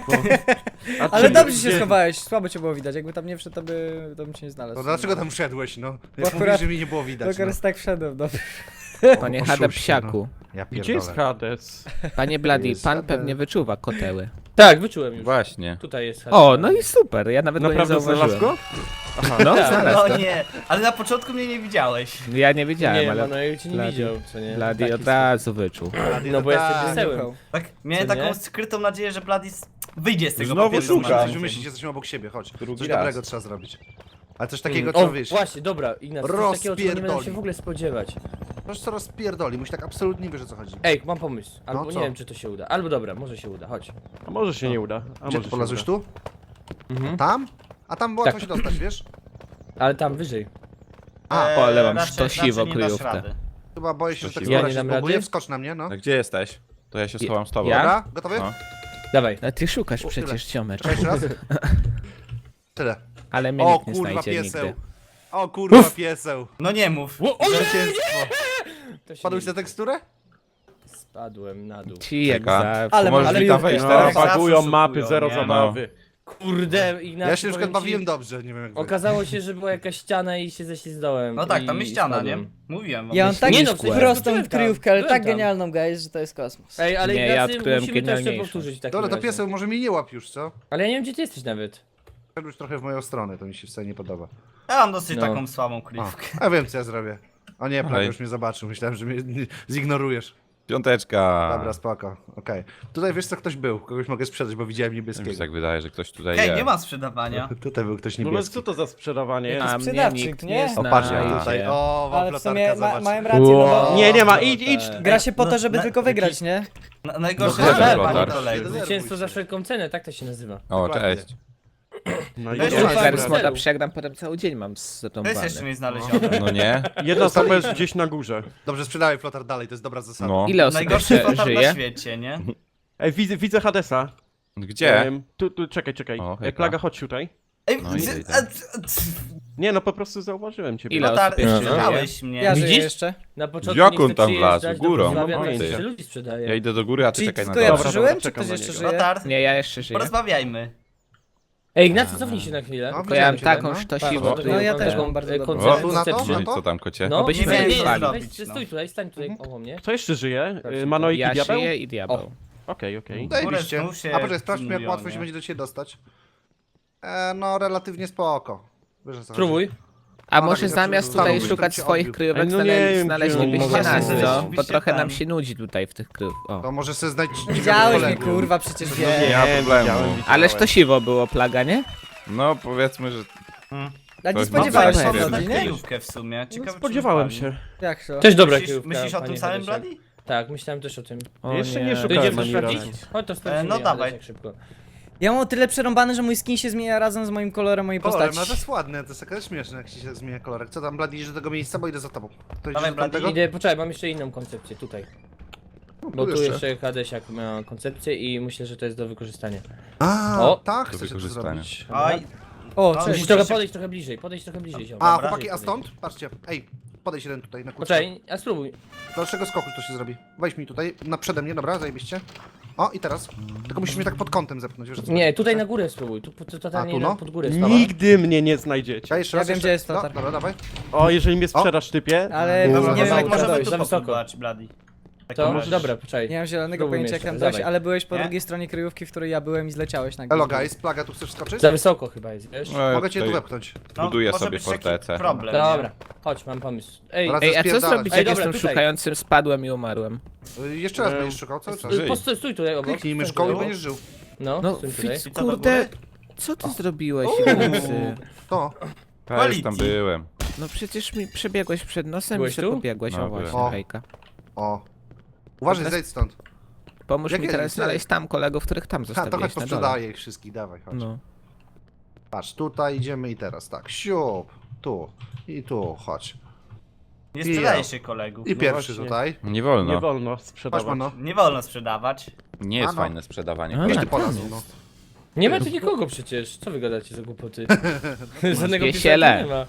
Speaker 7: a
Speaker 4: Ale
Speaker 7: czy-
Speaker 4: dobrze się
Speaker 7: gdzie-
Speaker 4: schowałeś, słabo cię było widać, jakby tam nie wszedł, to, by, to bym cię nie znalazł.
Speaker 2: To dlaczego tam wszedłeś, no?
Speaker 4: Bo
Speaker 2: Jak
Speaker 4: akurat-
Speaker 2: mówisz, że mi nie było widać,
Speaker 4: Dokar
Speaker 2: no.
Speaker 4: tak wszedłem, dobrze.
Speaker 6: Panie
Speaker 2: O,
Speaker 6: Hada
Speaker 2: oszuście,
Speaker 6: Psiaku.
Speaker 2: Ja
Speaker 7: Gdzie jest
Speaker 2: pierdolę.
Speaker 7: Hades?
Speaker 6: Panie Bloody,
Speaker 2: Jest
Speaker 6: pan
Speaker 2: Hades.
Speaker 6: pewnie wyczuwa koteły.
Speaker 1: Tak, wyczułem już.
Speaker 3: właśnie.
Speaker 1: Tutaj jest.
Speaker 6: O, no i super, ja nawet go nie
Speaker 7: Naprawdę znalazł
Speaker 6: zauważyłem.
Speaker 7: go? Aha.
Speaker 6: No,
Speaker 1: Tak.
Speaker 6: znalazł
Speaker 5: No
Speaker 6: go.
Speaker 5: nie, ale na początku mnie nie widziałeś.
Speaker 6: Ja nie wiedziałem,
Speaker 1: Nie,
Speaker 6: ale
Speaker 1: Manuel cię nie
Speaker 6: Bloody-
Speaker 1: widział, co nie?
Speaker 6: Bloody
Speaker 1: Taki
Speaker 6: od razu wyczuł.
Speaker 1: No bo jestem
Speaker 2: Tak.
Speaker 1: piesełem.
Speaker 5: Tak, miałem
Speaker 1: Co
Speaker 5: taką
Speaker 1: nie?
Speaker 5: skrytą nadzieję, że Bladis wyjdzie z tego
Speaker 3: Znowu
Speaker 5: papieru
Speaker 3: szukam.
Speaker 2: Coś
Speaker 5: smażącym.
Speaker 2: wymyślić, jesteśmy obok siebie, chodź.
Speaker 3: Drugi
Speaker 2: Coś
Speaker 3: raz.
Speaker 2: dobrego trzeba zrobić. Ale coś takiego
Speaker 1: O,
Speaker 2: trzeba wiesz.
Speaker 1: właśnie, dobra, Ignacy, coś takiego, czego nie będę się
Speaker 2: Rozpierdoli.
Speaker 1: w ogóle spodziewać.
Speaker 2: Proszę co rozpierdoli, musi tak absolutnie wiesz o co chodzi.
Speaker 1: Ej, mam pomysł. Albo
Speaker 2: No
Speaker 1: nie
Speaker 2: co?
Speaker 1: wiem, czy to się uda. Albo dobra, może się uda, chodź.
Speaker 7: A może się nie uda. A
Speaker 2: Gdzie
Speaker 7: może
Speaker 2: ty
Speaker 7: się
Speaker 2: polazłeś
Speaker 7: uda.
Speaker 2: tu? Tam? A tam łatwo
Speaker 1: Tak.
Speaker 2: się dostać, wiesz?
Speaker 1: Ale tam wyżej.
Speaker 2: A,
Speaker 5: Eee,
Speaker 6: o, ale mam
Speaker 5: raczej-
Speaker 6: sztosiwo
Speaker 5: raczej nie dasz
Speaker 6: kryjówkę.
Speaker 5: rady.
Speaker 2: Chyba boję się, że tak
Speaker 3: Ja
Speaker 2: skóra
Speaker 1: nie
Speaker 2: się
Speaker 1: dam
Speaker 2: zbuguje.
Speaker 1: rady?
Speaker 2: Wskocz na mnie, no.
Speaker 3: A gdzie jesteś? To ja się schowam z tobą.
Speaker 6: Ja?
Speaker 2: Dobra, gotowy?
Speaker 3: No.
Speaker 1: Dawaj.
Speaker 6: A ty szukasz
Speaker 2: O, tyle.
Speaker 6: przecież, ciomecz.
Speaker 2: Cześć raz. Tyle.
Speaker 6: Ale mnie
Speaker 2: O
Speaker 6: nikt nie
Speaker 2: kurwa
Speaker 6: znajdzie
Speaker 2: pieseł.
Speaker 6: nigdy.
Speaker 2: O kurwa pieseł.
Speaker 5: No nie mów.
Speaker 1: O, o, nie,
Speaker 2: Zwycięstwo.
Speaker 1: To się
Speaker 2: Padłeś
Speaker 1: nie...
Speaker 2: na teksturę?
Speaker 1: Spadłem na dół.
Speaker 6: Ci jak
Speaker 3: Czeka.
Speaker 6: zawsze.
Speaker 4: Ale
Speaker 3: Możesz
Speaker 4: ale
Speaker 3: mi tam
Speaker 4: kryjówkę.
Speaker 3: wejść
Speaker 7: No,
Speaker 3: teraz?
Speaker 5: Zawsze
Speaker 7: bagują
Speaker 5: szukują,
Speaker 7: mapy, zero
Speaker 5: nie?
Speaker 7: zabawy.
Speaker 1: Kurde, Ignacy,
Speaker 2: Ja się na przykład
Speaker 1: powiem ci,
Speaker 2: bawiłem dobrze, nie wiem jak wy.
Speaker 1: Okazało się, że była jakaś ściana i się ześlizgnąłem.
Speaker 5: No tak,
Speaker 1: i
Speaker 5: tam jest ściana, nie?
Speaker 1: spadłem.
Speaker 5: Mówiłem wam.
Speaker 4: Ja mam tak
Speaker 1: Nie no, w sensie
Speaker 4: prostą
Speaker 1: byłem tam,
Speaker 4: kryjówkę, ale
Speaker 1: byłem
Speaker 4: tak
Speaker 1: tam.
Speaker 4: genialną, guys, że to jest kosmos.
Speaker 1: Ej, ale
Speaker 6: Nie, ja
Speaker 1: Ignacy,
Speaker 6: odkryłem
Speaker 1: musimy to jeszcze
Speaker 6: genialniejszą.
Speaker 1: powtórzyć w takim
Speaker 2: Dobra, to
Speaker 1: razie.
Speaker 2: pieseł może mnie nie łap już, co?
Speaker 1: Ale ja nie wiem, gdzie ty jesteś nawet.
Speaker 2: Szedłeś trochę w moją stronę, to mi się wcale nie podoba.
Speaker 5: Ja mam dosyć
Speaker 1: No.
Speaker 5: taką słabą
Speaker 2: O,
Speaker 5: kryjówkę.
Speaker 2: a wiem co ja zrobię. O nie, prawie
Speaker 3: Ej.
Speaker 2: już mnie zobaczył, myślałem, że mnie zignorujesz.
Speaker 3: Piąteczka.
Speaker 2: Dobra, spoko, okej. Tutaj wiesz co, ktoś był, kogoś mogę sprzedać, bo widziałem
Speaker 3: Mi się
Speaker 2: niebieskiego.
Speaker 3: tak wydaje, że ktoś tutaj
Speaker 5: Hej,
Speaker 3: je.
Speaker 5: nie ma sprzedawania.
Speaker 2: Tutaj był ktoś
Speaker 7: No ale
Speaker 2: niebieski.
Speaker 7: co to za sprzedawanie?
Speaker 6: A mnie
Speaker 4: sprzedawczyk,
Speaker 6: nikt
Speaker 4: nie?
Speaker 6: nie
Speaker 2: O, patrz, ja
Speaker 6: znajdzie.
Speaker 2: tutaj, o, wam
Speaker 4: Ale w sumie
Speaker 2: flotarka,
Speaker 4: ma,
Speaker 2: zobacz.
Speaker 4: mają rację, no bo
Speaker 7: Nie, nie ma, idź, idź!
Speaker 4: gra się po
Speaker 5: No,
Speaker 4: to, żeby
Speaker 5: na-
Speaker 4: tylko wygrać, nie?
Speaker 5: Na, najgorsze,
Speaker 3: No,
Speaker 5: że
Speaker 3: dobrze,
Speaker 5: panie
Speaker 3: Flotar.
Speaker 5: kolego.
Speaker 1: Zwycięstwo za wszelką cenę, tak to się nazywa.
Speaker 3: O,
Speaker 2: Dokładnie.
Speaker 3: cześć.
Speaker 7: No i
Speaker 5: Weź
Speaker 7: dobra.
Speaker 5: tu
Speaker 6: Ja
Speaker 5: tak,
Speaker 6: teraz
Speaker 1: Dobra.
Speaker 6: moda przegram, potem cały dzień mam
Speaker 5: To
Speaker 6: zrąbany.
Speaker 5: jest jeszcze nie znalezione.
Speaker 3: No nie?
Speaker 7: Jedna stopa jest gdzieś na górze.
Speaker 2: Dobrze, sprzedawaj flotar dalej, to jest dobra zasada.
Speaker 3: No.
Speaker 6: Ile osób
Speaker 5: Najgorszy
Speaker 6: jeszcze
Speaker 5: flotar na
Speaker 6: żyje?
Speaker 5: świecie, nie?
Speaker 7: Ej, widzę, widzę Hadesa.
Speaker 3: Gdzie?
Speaker 7: Em, tu, tu, czekaj, czekaj.
Speaker 3: O,
Speaker 7: Ej,
Speaker 3: hejka.
Speaker 7: Plaga, chodź tutaj.
Speaker 5: Ej,
Speaker 3: No i
Speaker 5: z-
Speaker 3: idę.
Speaker 5: a, c- c-
Speaker 7: Nie, no po prostu zauważyłem ciebie.
Speaker 6: Ile
Speaker 5: Lotar,
Speaker 6: osób jeszcze żyje?
Speaker 5: sprzedałeś mnie.
Speaker 4: Ja żyję
Speaker 1: Widzisz?
Speaker 4: jeszcze.
Speaker 1: Na początku
Speaker 3: Jak
Speaker 1: nie chce
Speaker 3: on tam
Speaker 1: przyjeżdżać
Speaker 3: wlazł?
Speaker 1: do
Speaker 3: Górą?
Speaker 1: Wrocławia,
Speaker 7: No,
Speaker 1: teraz
Speaker 7: pojęcia.
Speaker 1: jeszcze ludzi sprzedaje.
Speaker 3: Ja idę do góry, a ty
Speaker 4: Czyli
Speaker 3: czekaj na
Speaker 4: tylko ja
Speaker 3: dole.
Speaker 7: Dobra,
Speaker 4: przeżyłem,
Speaker 7: dobra,
Speaker 4: czy
Speaker 7: czekam
Speaker 4: ktoś
Speaker 7: na
Speaker 4: jeszcze
Speaker 7: niego.
Speaker 4: żyje?
Speaker 5: Lotar,
Speaker 6: Nie, ja jeszcze żyję.
Speaker 5: porozmawiajmy.
Speaker 1: Ej, Ignacy, cofnij się na chwilę.
Speaker 2: No,
Speaker 6: Bo ja
Speaker 2: widziałem
Speaker 6: mam
Speaker 2: cię,
Speaker 6: taką
Speaker 2: no.
Speaker 6: sztosiwą.
Speaker 1: Patrz,
Speaker 4: No ja
Speaker 1: taką,
Speaker 4: też mam bardzo
Speaker 1: e,
Speaker 4: dobrą.
Speaker 1: koncepcję-
Speaker 2: O, tu na to?
Speaker 1: koncepcję.
Speaker 2: Na to?
Speaker 3: Co tam, kocie?
Speaker 1: No,
Speaker 6: Obyśmy
Speaker 1: nie, nie, nie,
Speaker 5: mieli
Speaker 1: nie,
Speaker 5: zrobić,
Speaker 1: weź,
Speaker 5: no.
Speaker 1: stój tutaj, stań tutaj koło mnie.
Speaker 7: Kto jeszcze żyje?
Speaker 1: Tak,
Speaker 7: Y, Manojki
Speaker 6: Ja
Speaker 7: Diabeł?
Speaker 6: żyję i diabeł.
Speaker 1: O.
Speaker 7: Okej, okej.
Speaker 2: Zajebiście.
Speaker 5: Góry znów się
Speaker 2: A poczekaj, sprawdźmy jak
Speaker 5: pilnują,
Speaker 2: łatwo się
Speaker 5: nie?
Speaker 2: będzie do ciebie dostać. E, no, relatywnie spoko. Wiesz, o co chodzi.
Speaker 1: Spróbuj.
Speaker 6: A
Speaker 2: No
Speaker 6: może
Speaker 2: tak,
Speaker 6: zamiast
Speaker 2: tak,
Speaker 6: tutaj
Speaker 2: tak,
Speaker 6: szukać
Speaker 2: tak,
Speaker 6: swoich
Speaker 2: tak,
Speaker 6: kryjówek,
Speaker 7: no nie
Speaker 6: znale-
Speaker 7: wiem,
Speaker 6: znaleźlibyście
Speaker 7: czy-
Speaker 6: nas,
Speaker 5: może
Speaker 6: co?
Speaker 5: być-
Speaker 6: Bo trochę
Speaker 5: tam.
Speaker 6: nam się nudzi tutaj w tych kryjów. O.
Speaker 2: To może sobie znajdź
Speaker 4: Widziałeś mnie, kurwa, przecież
Speaker 3: Nie
Speaker 4: wiem.
Speaker 3: ma problemu.
Speaker 7: widziałem.
Speaker 6: Ale sztosiwo było, Plaga, nie?
Speaker 3: No powiedzmy, że
Speaker 4: A nie
Speaker 3: Ktoś
Speaker 4: spodziewałeś
Speaker 6: ma
Speaker 4: się
Speaker 6: pewnie.
Speaker 4: od
Speaker 5: na
Speaker 4: niej, nie?
Speaker 5: kryjówkę w sumie. Ciekawe,
Speaker 7: No,
Speaker 5: czy
Speaker 7: spodziewałem
Speaker 5: wypali.
Speaker 7: się.
Speaker 4: Jak to?
Speaker 1: Też dobra
Speaker 5: Myślisz,
Speaker 1: kryjówka,
Speaker 5: myślisz o tym
Speaker 1: panie
Speaker 5: samym,
Speaker 1: Hadesiak.
Speaker 5: Bloody?
Speaker 1: Tak, myślałem też o tym.
Speaker 6: O
Speaker 7: Jeszcze nie
Speaker 1: To
Speaker 7: szukałem
Speaker 1: idziemy to
Speaker 7: ani
Speaker 1: sprawdzić?
Speaker 7: razu.
Speaker 1: Chodź to sprawdzimy,
Speaker 5: no
Speaker 1: ja
Speaker 5: dawaj.
Speaker 1: tak szybko.
Speaker 4: Ja mam o tyle przerąbane, że mój skin się zmienia razem z moim kolorem mojej
Speaker 2: Kolorem, no
Speaker 4: postaci.
Speaker 2: to jest ładne, to jest takie śmieszne, jak ci się zmienia kolorek. Co tam, Blady, idziesz do tego miejsca, bo idę za tobą. To idziesz
Speaker 5: Dawaj,
Speaker 2: do
Speaker 5: Blady,
Speaker 2: tamtego?
Speaker 1: Idę, poczekaj, mam jeszcze inną koncepcję, tutaj. Bo tu jeszcze Hadesiak ma koncepcję i myślę, że to jest do wykorzystania.
Speaker 2: A,
Speaker 1: O,
Speaker 2: tak,
Speaker 3: do
Speaker 2: chcesz to
Speaker 3: wykorzystania.
Speaker 2: zrobić.
Speaker 5: Oj,
Speaker 4: O,
Speaker 5: No,
Speaker 4: cześć.
Speaker 1: Musisz
Speaker 5: musisz
Speaker 1: trochę
Speaker 5: się-
Speaker 1: podejść trochę bliżej, podejść trochę bliżej, ziom.
Speaker 2: A,
Speaker 5: Dobra.
Speaker 2: chłopaki, a stąd? Patrzcie, ej, podejdź jeden tutaj na kurczę.
Speaker 1: Poczekaj, a spróbuj.
Speaker 2: Do dalszego skoku to się zrobi. Weź mi tutaj, na przede mnie, dobra, zajebiście. O, i teraz. Tylko musisz mnie tak pod kątem zepchnąć, wiesz o co
Speaker 1: Nie,
Speaker 2: chodzi?
Speaker 1: tutaj na górę spróbuj, tu, tu totalnie
Speaker 2: A, tu
Speaker 1: na-
Speaker 2: no?
Speaker 1: pod górę spróbuj.
Speaker 7: Nigdy mnie nie znajdziecie.
Speaker 2: Ja jeszcze
Speaker 4: Ja
Speaker 2: raz,
Speaker 4: wiem,
Speaker 2: jeszcze.
Speaker 4: gdzie jest
Speaker 2: No,
Speaker 4: Lotar.
Speaker 2: dobra, dawaj.
Speaker 7: O, jeżeli mnie sprzedasz, typie.
Speaker 4: Ale
Speaker 2: Dobra,
Speaker 4: nie wiem
Speaker 2: dobra,
Speaker 4: jak
Speaker 2: dobra,
Speaker 4: tam
Speaker 5: możemy
Speaker 4: dojść.
Speaker 5: tu
Speaker 1: za wysoko.
Speaker 5: popróbować, Bloody. W
Speaker 1: To,
Speaker 5: takim razie.
Speaker 1: dobra, poczekaj.
Speaker 4: Nie mam zielonego
Speaker 1: Spróbujmy
Speaker 4: pojęcia jak
Speaker 1: jeszcze,
Speaker 4: tam dojść,
Speaker 1: dawaj.
Speaker 4: ale byłeś po
Speaker 5: Nie?
Speaker 4: drugiej stronie kryjówki, w której ja byłem i zleciałeś na górę.
Speaker 2: Elo guys, Plaga, tu chcesz skoczyć?
Speaker 1: Za wysoko chyba jest, wiesz?
Speaker 3: no, ja
Speaker 2: Mogę cię tu
Speaker 3: tutaj
Speaker 2: wepchnąć.
Speaker 5: No,
Speaker 3: buduję
Speaker 5: może
Speaker 3: sobie
Speaker 5: być taki
Speaker 3: fortecę.
Speaker 5: problem,
Speaker 1: Dobra, chodź, mam pomysł. Ej,
Speaker 2: Dobra.
Speaker 6: Ej, a co
Speaker 2: Spierdalać.
Speaker 6: zrobić,
Speaker 1: Ej,
Speaker 6: jak
Speaker 1: dobra,
Speaker 6: jestem
Speaker 1: tutaj.
Speaker 6: szukającym, spadłem i umarłem?
Speaker 2: Y, Jeszcze raz
Speaker 7: Eee,
Speaker 2: będziesz szukał, cały czas.
Speaker 3: żyj.
Speaker 1: postój, stój tutaj obok.
Speaker 2: Kliknij
Speaker 1: Stój
Speaker 2: myszką i
Speaker 1: tutaj.
Speaker 2: będziesz żył.
Speaker 1: No,
Speaker 6: No,
Speaker 1: stój tutaj.
Speaker 6: Fitz,
Speaker 5: I co, do
Speaker 6: kurde,
Speaker 5: góry?
Speaker 6: co ty zrobiłeś, Ignacy?
Speaker 2: To.
Speaker 3: Ja już tam byłem.
Speaker 6: No przecież mi przebiegłeś przed nosem
Speaker 1: Byłeś
Speaker 6: i się
Speaker 1: tu?
Speaker 6: pobiegłeś,
Speaker 3: No,
Speaker 6: o właśnie,
Speaker 2: byłem.
Speaker 6: hejka.
Speaker 2: O. Uważaj,
Speaker 6: Teraz-
Speaker 2: zejdź stąd.
Speaker 6: Pomóż
Speaker 2: Jak
Speaker 6: mi
Speaker 2: jest?
Speaker 6: teraz znaleźć tam kolegów, których tam
Speaker 2: Ha, to
Speaker 6: zostawiłeś
Speaker 2: chodź
Speaker 6: na dole.
Speaker 2: posprzedaję ich wszystkich, dawaj, chodź.
Speaker 6: No.
Speaker 2: Patrz, tutaj idziemy i teraz tak, siup, tu i tu, chodź.
Speaker 5: Nie
Speaker 2: I
Speaker 5: sprzedaje
Speaker 2: ja.
Speaker 5: się kolegów.
Speaker 2: I pierwszy
Speaker 7: właśnie.
Speaker 2: tutaj.
Speaker 3: Nie wolno.
Speaker 7: Nie wolno
Speaker 2: Patrz,
Speaker 7: sprzedawać.
Speaker 2: mano.
Speaker 5: Nie wolno sprzedawać.
Speaker 3: Nie jest
Speaker 2: Ano.
Speaker 3: fajne sprzedawanie.
Speaker 6: A,
Speaker 2: Gdzieś
Speaker 3: kolei.
Speaker 2: ty polazł, no.
Speaker 1: Nie ma tu nikogo przecież, co wy gadacie za głupoty? Żadnego
Speaker 6: Wiesiele.
Speaker 1: pisarza nie ma.